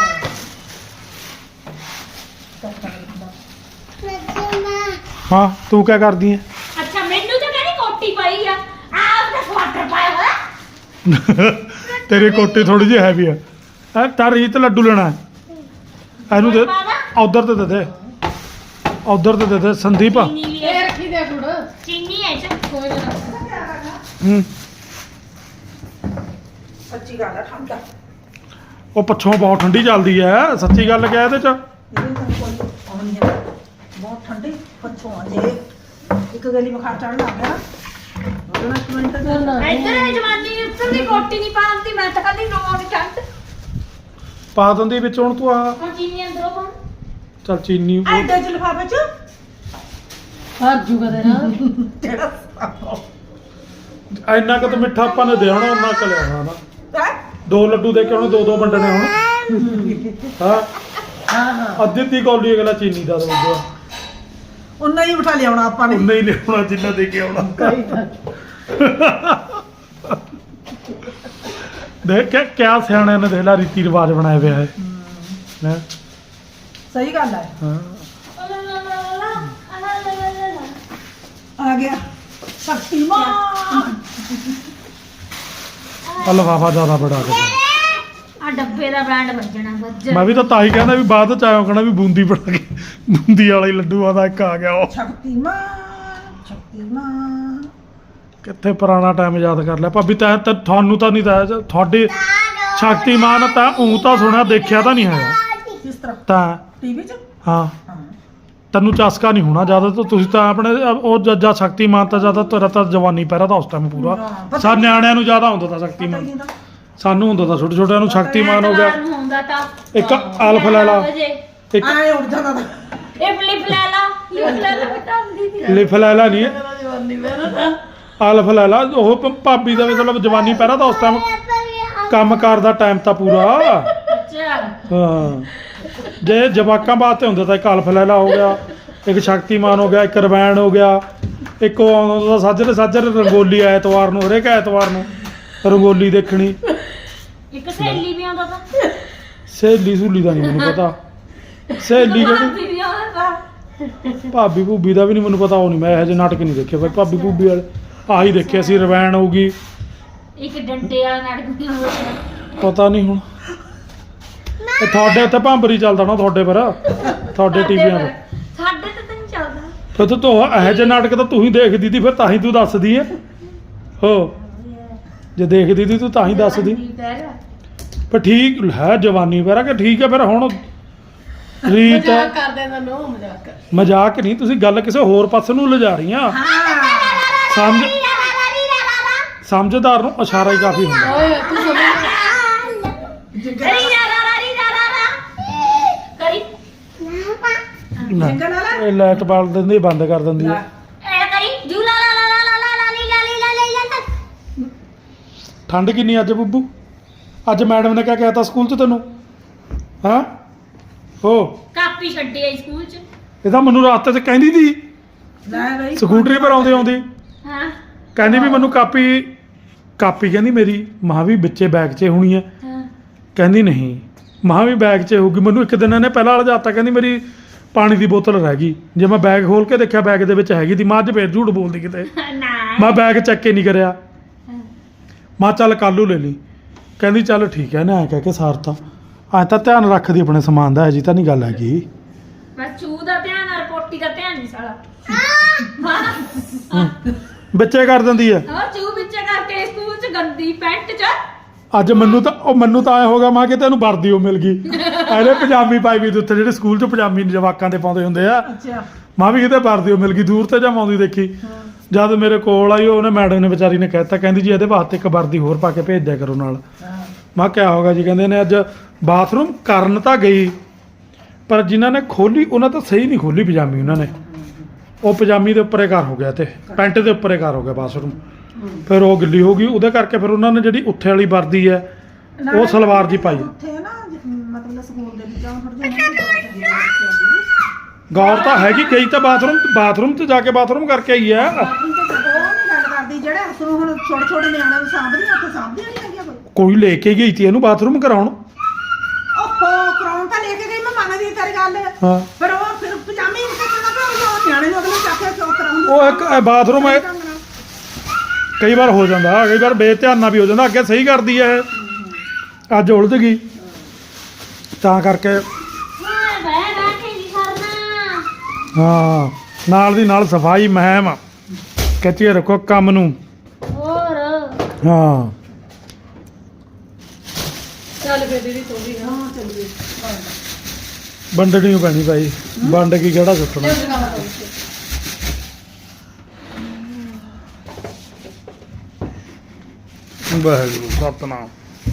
S1: ਹਾਂ ਤੂੰ ਕਿਆ ਕਰਦੀ ਹੈ
S2: ਅੱਛਾ ਮੈਨੂੰ ਤਾਂ ਕਹਿੰਦੀ ਕੋਟੀ ਪਾਈ ਆ ਆਪ ਤਾਂ ਸਵਾਟਰ ਪਾਇਆ ਹੋਇਆ
S1: ਤੇਰੀ ਕੋਟੀ ਥੋੜੀ ਜਿਹੀ ਹੈਵੀ ਆ ਐ ਤਾਂ ਰੀਤ ਲੱਡੂ ਲੈਣਾ ਹੈ। ਇਹਨੂੰ ਦੇ ਉਧਰ ਤੇ ਦੇ ਦੇ ਉਧਰ ਤੇ ਦੇ ਦੇ ਸੰਦੀਪ
S2: ਚੀਨੀ ਵੀ
S4: ਇਹ
S2: ਹੈ
S4: ਰੱਖੀ ਦੇ ਗੁੜ
S2: ਚੀਨੀ ਹੈ ਚ
S4: ਕੋਈ ਨਾ
S1: ਹੂੰ
S3: ਸੱਚੀ ਗੱਲ ਆ ਠੰਡਾ
S1: ਉਹ ਪੱਛੋਂ ਬਹੁਤ ਠੰਡੀ ਚੱਲਦੀ ਐ ਸੱਚੀ ਗੱਲ ਕਿਹਾ ਇਹਦੇ ਚ
S3: ਇਹਦੇ ਤਾਂ ਕੋਈ ਆਉਣੀ ਹੈ ਬਹੁਤ ਠੰਡੀ ਪੱਛੋਂ ਆ ਜੇ ਇੱਕ ਗਲੀ ਬੁਖਾਰ ਚੜਨ ਲੱਗ ਗਿਆ ਉਹਦੇ ਨਾਲ ਇੱਕ ਮਿੰਟ
S4: ਨਾ, ਨਾ।
S2: ਇੱਧਰ ਇਹ ਜਵਾਨੀ ਉੱਤਰ ਦੀ ਕੋਟੀ ਨਹੀਂ ਪਾਉਂਦੀ ਮੈਂ ਤਾਂ ਕਹਿੰਦੀ ਨੌਂ ਦੀ ਠੰਡ
S1: ਪਾ ਦਿੰਦੀ ਵਿੱਚ ਹੁਣ ਤੂੰ ਆ
S2: ਹੁਣ ਚੀਨੀ ਅੰਦਰੋਂ ਪਾਉਂ
S1: ਚੱਲ ਚੀਨੀ ਉਹ-
S3: ਐਡੇ ਚ ਲਿਫਾਫੇ ਚ
S4: ਹਰ ਜੂਗਾ ਦੇ ਨਾਲ
S3: ਜਿਹੜਾ
S1: ਇੰਨਾ ਕੁ ਤਾਂ ਮਿੱਠਾ ਆਪਾਂ ਨੇ ਦੇ ਹੋਣਾ ਉਹਨਾਂ ਕ ਲਿਆਉਣਾ ਨਾ
S3: ਹੈ
S1: ਦੋ ਲੱਡੂ ਦੇ ਕੇ ਉਹਨੂੰ ਦੋ ਦੋ ਵੰਡਣੇ ਹੁਣ ਹਾਂ
S4: ਹਾਂ ਹਾਂ
S1: ਅੱਧੀ ਅੱਧੀ ਕੌਲੀ ਅਗਲਾ ਚੀਨੀ ਦਾ ਦਊਗਾ
S3: ਉਨਾ ਹੀ ਬਿਠਾ ਲਿਆਉਣਾ ਆਪਾਂ ਨੇ
S1: ਉਨਾ ਹੀ ਲਿਆਉਣਾ ਜਿੰਨਾ ਦੇ ਕੇ ਆਉਣਾ
S4: ਕਈ ਤਾਂ
S1: ਦੇਖ ਕੇ ਕਿਆ ਸਿਆਣਿਆਂ ਨੇ ਦੇਖ ਲਾ ਰੀਤੀ ਰਿਵਾਜ ਬਣਾਏ ਹੋਇਆ ਹੈ ਹੈਂ?
S3: ਸਹੀ ਗੱਲ ਹੈ
S1: ਹਾਂ
S3: ਆ ਗਿਆ ਸ਼ਕਤੀਮਾਨ
S1: ਆ ਲਫਾਫਾ ਜ਼ਿਆਦਾ ਬੜਾ ਕਰ
S2: ਆ ਡੱਬੇ ਦਾ ਬ੍ਰਾਂਡ ਵੱਜਣਾ ਵੱਜ
S1: ਮੈਂ ਵੀ ਤਾਂ ਤਾਂ ਹੀ ਕਹਿੰਦਾ ਵੀ ਬਾਅਦ ਚ ਆਇਓ ਕਹਣਾ ਵੀ ਬੂੰਦੀ ਬਣਾ ਕੇ ਬੂੰਦੀ ਵਾਲਾ ਹੀ ਲੱਡੂ ਆਦਾ ਇੱਕ ਆ ਗਿਆ ਉਹ
S3: ਸ਼ਕਤੀਮਾਨ ਸ਼ਕਤੀਮਾਨ
S1: ਕਿੱਥੇ ਪੁਰਾਣਾ ਟਾਈਮ ਯਾਦ ਕਰ ਲਿਆ ਭਾਬੀ ਤੈਂ ਤਾਂ ਤੁਹਾਨੂੰ ਤਾਂ ਨਹੀਂ ਤਾਂ ਤੁਹਾਡੇ ਸ਼ਕਤੀਮਾਨ ਤਾਂ ਊਂ ਤਾਂ ਸੁਣਿਆ ਦੇਖਿਆ ਤਾਂ ਨਹੀਂ ਹੈਗਾ
S3: ਕਿਸ ਤਰ੍ਹਾਂ
S1: ਤਾਂ
S3: ਟੀਵੀ ਚ
S1: ਹਾਂ
S3: ਹਾਂ
S1: ਤੈਨੂੰ ਚਸਕਾ ਨਹੀਂ ਹੋਣਾ ਜ਼ਿਆਦਾ ਤਾਂ ਤੁਸੀਂ ਤਾਂ ਆਪਣੇ ਉਹ ਜੱਜਾ ਸ਼ਕਤੀਮਾਨ ਤਾਂ ਜ਼ਿਆਦਾ ਤੇਰਾ ਤਾਂ ਜਵਾਨੀ ਪਹਿਰਾ ਤਾਂ ਉਸ ਟਾਈਮ ਪੂਰਾ
S3: ਪਤਾ
S1: ਸਾ ਨਿਆਣਿਆਂ ਨੂੰ ਜ਼ਿਆਦਾ ਹੁੰਦਾ ਤਾਂ
S3: ਪਤਾ ਹੀ
S1: ਸ਼ਕਤੀਮਾਨ
S3: ਨਹੀਂ ਤਾਂ
S1: ਸਾਨੂੰ ਹੁੰਦਾ ਤਾਂ ਛੋਟੇ ਛੋਟਿਆਂ ਨੂੰ ਸ਼ਕਤੀਮਾਨ ਹੋ ਗਿਆ
S2: ਐਤਵਾਰ ਨੂੰ ਹੁੰਦਾ ਤਾਂ
S1: ਇੱਕ ਅਲਫ ਲੈ ਲਾ ਇੱਕ
S3: ਆਏ ਉੱਡ ਜਾਂਦਾ ਤਾਂ
S2: ਇਹ ਫਲਿਪ ਲੈ ਲਾ ਫਲਿਪ ਲੈ ਲਾ ਬੇਟਾ ਹੁੰਦੀ ਸੀ
S1: ਲਿਫ ਲੈ ਲਾ ਨਹੀਂ
S4: ਮੇਰਾ ਜਵਾਨੀ ਮੇਰਾ
S1: ਅਲਫ ਲੈ ਲਾ ਉਹ ਭ- ਭਾਬੀ ਦਾ ਮਤਲਬ ਜਵਾਨੀ ਪਹਿਰਾ ਤਾਂ ਉਸ ਟਾਈਮ ਕੰਮ ਕਾਰ ਦਾ ਟਾਈਮ ਤਾਂ ਪੂਰਾ
S2: ਅੱਛਾ
S1: ਹਾਂ ਜੇ ਜਵਾਕਾਂ ਵਾਸਤੇ ਹੁੰਦਾ ਤਾਂ ਇੱਕ ਅਲਫ ਲੈ ਲਾ ਹੋ ਗਿਆ ਇੱਕ ਸ਼ਕਤੀਮਾਨ ਹੋ ਗਿਆ ਇੱਕ ਰਵੈਣ ਹੋ ਗਿਆ ਇੱਕ ਉਹ ਆਉਂਦਾ ਸਾਜਰੇ ਸਾਜਰੇ ਰੰਗੋਲੀ ਐਤਵਾਰ ਨੂੰ ਹਰੇਕ ਐਤਵਾਰ ਨੂੰ ਰੰਗੋਲੀ ਦੇਖਣੀ
S2: ਇੱਕ ਸਹੇਲੀ ਵੀ ਆਉਂਦਾ ਤਾਂ
S1: ਸਹੇਲੀ ਸਹੂਲੀ ਦਾ ਨਹੀਂ ਮੈਨੂੰ ਪਤਾ ਸਹੇਲੀ ਕਿਹੜੀ
S2: ਭਾਬੀ ਵੀ ਆਉਂਦਾ ਤਾਂ
S1: ਭਾਬੀ ਭੂਬੀ ਦਾ ਵੀ ਨਹੀਂ ਮੈਨੂੰ ਪਤਾ ਉਹ ਨਹੀਂ ਮੈਂ ਇਹੋ ਜਿਹੇ ਨਾਟਕ ਨਹੀਂ ਦੇਖੇ ਭਾਈ ਭਾਬੀ ਭੂਬੀ ਵਾਲੇ ਆਹੀ ਦੇਖਿਆ ਸੀ ਰਵੈਣ ਹੋਊਗੀ
S2: ਇੱਕ ਡੰਡੇ ਵਾਲਾ ਨਾਟਕ ਵੀ ਆਉਂਦਾ
S1: ਪਤਾ ਨਹੀਂ ਹੁਣ ਇਹ ਤੁਹਾਡੇ ਉੱਥੇ ਭਾਂਬਰੀ ਚੱਲਦਾ ਨਾ ਤੁਹਾਡੇ ਪਰ ਤੁਹਾਡੇ ਟੀਵੀਆਂ 'ਤੇ
S2: ਸਾਡੇ ਤੇ ਤਾਂ ਨਹੀਂ ਚੱਲਦਾ
S1: ਫਿਰ ਤੂੰ ਤੂੰ ਇਹੋ ਜਿਹੇ ਨਾਟਕ ਤਾਂ ਤੂੰ ਹੀ ਦੇਖਦੀ ਤੀ ਫਿਰ ਤਾਂ ਹੀ ਤੂੰ ਦੱਸਦੀ ਹੈ ਹੋ ਜੇ ਦੇਖਦੀ ਤੀ ਤੂੰ ਤਾਂ ਹੀ ਦੱਸਦੀ ਪਰ ਠੀਕ ਹੈ ਜਵਾਨੀ ਪਹਿਰਾ ਕਿ ਠੀਕ ਹੈ ਫਿਰ ਹੁਣ ਰੀਤ
S4: ਮਜ਼ਾਕ ਕਰਦੇ ਇਹਨਾਂ ਨੂੰ ਮਜ਼ਾਕ ਕਰ
S1: ਮਜ਼ਾਕ ਨਹੀਂ ਤੁਸੀਂ ਗੱਲ ਕਿਸੇ ਹੋਰ ਪਾਸੇ ਨੂੰ ਲਿਜਾ ਰਹੀਆਂ
S3: ਹਾਂ
S1: ਸਮਝ ਸਮਝਦਾਰ ਨੂੰ ਇਸ਼ਾਰਾ ਹੀ ਕਾਫੀ ਹੁੰਦਾ
S4: ਓਏ ਤੂੰ ਸਮਝ
S2: ਕਰੀ ਰਾ ਰਾ ਰੀ ਰਾ ਰਾ ਰਾ ਕਰੀ
S1: ਨਾ,
S3: ਜਿੰਗਲ ਵਾਲਾ
S1: ਇਹ ਲਾਈਟ ਬਾਲ ਦਿੰਦੀ ਬੰਦ ਕਰ ਦਿੰਦੀ ਹੈ
S2: ਐ ਕਰੀ ਜੂ ਲਾ ਲਾ ਲਾ ਲਾ ਲਾ ਲਾ ਲਾ ਲੀ ਲਾ ਲੀ ਲਾ ਲੀ ਲਾ ਲਾ
S1: ਠੰਡ ਕਿੰਨੀ ਅੱਜ ਬੱਬੂ ਅੱਜ ਮੈਡਮ ਨੇ ਕਿਆ ਕਹਿਤਾ ਸਕੂਲ 'ਚ ਤੈਨੂੰ ਹਾਂ ਹੋ
S2: ਕਾਪੀ ਛੱਡੀ ਆਈ ਸਕੂਲ ਚ
S1: ਇਹ ਤਾਂ ਮੈਨੂੰ ਰਾਸਤੇ 'ਚ ਕਹਿੰਦੀ ਤੀ
S3: ਲੈ ਬਈ
S1: ਸਕੂਟਰੀ ਪਰ ਆਉਂਦੇ ਆਉਂਦੀ
S2: ਹਾਂ
S1: ਕਹਿੰਦੀ ਵੀ ਮੈਨੂੰ ਕਾਪੀ ਕਾਪੀ ਕਹਿੰਦੀ ਮੇਰੀ ਮਾਂ ਵੀ ਵਿੱਚੇ ਬੈਗ 'ਚ ਹੋਣੀ ਹੈ
S2: ਹਾਂ
S1: ਕਹਿੰਦੀ ਨਹੀਂ ਮਾਂ ਵੀ ਬੈਗ 'ਚ ਹੋਊਗੀ ਮੈਨੂੰ ਇੱਕ ਦਿਨ ਇਹਨੇ ਪਹਿਲਾਂ ਲਜਾਤਾ ਕਹਿੰਦੀ ਮੇਰੀ ਪਾਣੀ ਦੀ ਬੋਤਲ ਰਹਿ ਗਈ ਜੇ ਮੈਂ ਬੈਗ ਖੋਲ ਕੇ ਦੇਖਿਆ ਬੈਗ ਦੇ ਵਿੱਚ ਹੈਗੀ ਤੀ ਮਾਂ ਅੱਜ ਫੇਰ ਝੂਠ ਬੋਲਦੀ ਕਿਤੇ
S2: ਨਾ
S1: ਮੈਂ ਬੈਗ ਚੱਕ ਕੇ ਨਹੀਂ ਕਰਿਆ ਮਾਂ ਚੱਲ ਕੱਲੂ ਲੈ ਲਈ। ਕਹਿੰਦੀ ਚੱਲ ਠੀਕ ਹੈ ਨਾ, ਐ ਕਹਿ ਕੇ ਸਾਰਤਾ। ਐ ਤਾਂ ਧਿਆਨ ਰੱਖਦੀ ਆਪਣੇ ਸਮਾਨ ਦਾ, ਜੀ ਤਾਂ ਨਹੀਂ ਗੱਲ ਹੈਗੀ।
S2: ਬਸ ਚੂ ਦਾ ਧਿਆਨ ਆ, ਪੋਟੀ ਦਾ ਧਿਆਨ ਨਹੀਂ ਸਾਲਾ।
S1: ਬੱਚੇ ਕਰ ਦਿੰਦੀ ਹੈ।
S2: ਹਾਂ ਚੂ ਵਿੱਚੇ ਕਰਕੇ ਸਕੂਲ ਚ ਗੰਦੀ ਪੈਂਟ ਚ।
S1: ਅੱਜ ਮੈਨੂੰ ਤਾਂ ਉਹ ਮੈਨੂੰ ਤਾਂ ਐ ਹੋ ਗਿਆ, ਮਾਂ ਕਿ ਤੈਨੂੰ ਵਰਦੀ ਉਹ ਮਿਲ ਗਈ। ਇਹਨੇ ਪਜਾਮੀ ਪਾਈ ਵੀ ਉੱਥੇ ਜਿਹੜੇ ਸਕੂਲ 'ਚ ਪਜਾਮੀ ਜਵਾਕਾਂ ਦੇ ਪਾਉਂਦੇ ਹੁੰਦੇ ਆ।
S3: ਅੱਛਾ
S1: ਮਾਂ ਵੀ ਕਿਤੇ ਵਰਦੀ ਉਹ ਮਿਲ ਗਈ, ਦੂਰ ਤੇ ਜਮਾਉਂਦੀ ਦੇਖੀ। ਜਦ ਮੇਰੇ ਕੋਲ ਆਈ ਉਹਨੇ ਮੈਡਮ ਨੇ ਵਿਚਾਰੀ ਨੇ ਕਹਿਤਾ, ਕਹਿੰਦੀ ਜੀ ਇਹਦੇ ਵਾਸਤੇ ਇੱਕ ਵਰਦੀ ਹੋਰ ਪਾ ਕੇ ਭੇਜ ਦਿਆ ਕਰੋ ਨਾਲ। ਮੈਂ ਕਿਹਾ ਹੋਗਾ ਜੀ, ਕਹਿੰਦੇ ਨੇ ਅੱਜ ਬਾਥਰੂਮ ਕਰਨ ਤਾਂ ਗਈ, ਪਰ ਜਿਨ੍ਹਾਂ ਨੇ ਖੋਲੀ ਉਹਨਾਂ ਤਾਂ ਸਹੀ ਨਹੀਂ ਖੋਲੀ ਪਜਾਮੀ। ਉਹਨਾਂ ਨੇ ਉਹ ਪਜਾਮੀ ਦੇ ਉੱਪਰੇ ਘਰ ਹੋ ਗਿਆ ਤੇ ਪੈਂਟ ਦੇ ਉੱਪਰੇ ਘਰ ਹੋ ਗਿਆ ਬਾਥਰੂਮ। ਫਿਰ ਉਹ ਗਿੱਲੀ ਹੋ ਗਈ, ਉਹਦੇ ਕਰਕੇ ਫਿਰ ਉਹਨਾਂ ਨੇ ਜਿਹੜੀ ਉੱਥੇ ਵਾਲੀ ਵਰਦੀ ਹੈ ਉਹ ਸਲਵਾਰ ਜੀ ਪਾਈ।
S3: ਉੱਥੇ ਨਾ ਮਤਲਬ ਸਕੂਲ ਦੇ ਵਿੱਚ ਆਉਂ ਥੋੜੀ ਜਿਹੀ
S1: ਗੌਰ ਤਾਂ ਹੈਗੀ, ਗਈ ਤਾਂ ਬਾਥਰੂਮ ਬਾਥਰੂਮ 'ਚ ਜਾ ਕੇ ਬਾਥਰੂਮ ਕਰਕੇ ਆਈ ਹੈ।
S3: ਬਾਥਰੂਮ ਤੇ ਉਹ ਨਹੀਂ ਗੱਲ ਕਰਦੀ, ਜਿਹੜੇ ਉਸਨੂੰ ਹੁਣ ਛੋਟੇ ਛੋਟੇ ਨਿਆਣਿਆਂ ਨੂੰ ਸਾਂਭਦੀਆਂ ਉੱਥੇ ਸਾਂਭਦੀਆਂ ਨਹੀਂ ਹੈਗੀਆਂ ਕੋਈ।
S1: ਕੋਈ ਲੈ ਕੇ ਗਈ ਤੀ ਇਹਨੂੰ ਬਾਥਰੂਮ ਕਰਾਉਣ।
S3: ਓਹੋ ਕਰਾਉਣ ਤਾਂ ਲੈ ਕੇ ਗਈ, ਮੈਂ ਮੰਨਦੀ ਤੇਰੀ ਗੱਲ।
S1: ਹਾਂ
S3: ਪਰ ਉਹ ਫਿਰ ਪਜਾਮੀ ਨਹੀਂ ਕੱਟਣਾ ਪਿਆ, ਉਹ ਨਿਆਣੇ ਨੂੰ ਅਗਲੇ ਚੱਕ ਕੇ ਕਿਉਂ ਕਰਾਉਂਦੀ।
S1: ਉਹ ਇੱਕ ਇਹ ਬਾਥਰੂਮ ਹੈ, ਕਈ ਵਾਰ ਹੋ ਜਾਂਦਾ, ਕਈ ਵਾਰ ਬੇਧਿਆਨਾ ਵੀ ਹੋ ਜਾਂਦਾ। ਅੱਗੇ ਸਹੀ ਕਰਦੀ ਹੈ, ਅੱਜ ਉਲਝ ਗਈ ਤਾਂ ਕਰਕੇ।
S2: ਹਾਂ ਬਹਿ ਬਹਿ ਕੇ ਨਹੀਂ ਕਰਨਾ।
S1: ਹਾਂ ਨਾਲ ਦੀ ਨਾਲ ਸਫਾਈ ਮਹਿਮ ਕੱਚੇ ਰੱਖੋ ਕੰਮ ਨੂੰ।
S2: ਹੋਰ
S1: ਹਾਂ
S4: ਚੱਲ ਫੇਰ ਦੀਦੀ ਤੂੰ ਵੀ ਨਾ
S3: ਹਾਂ ਚੱਲੀਏ
S1: ਵੰਡਣੀ ਓ ਪੈਣੀ ਭਾਈ, ਵੰਡ ਕੇ ਕਿਹੜਾ ਸੁੱਟਣਾ।
S4: ਲਿਓ ਜਗਾਵਾ ਤੋਂ
S1: ਵਾਹਿਗੁਰੂ ਸਤਨਾਮ।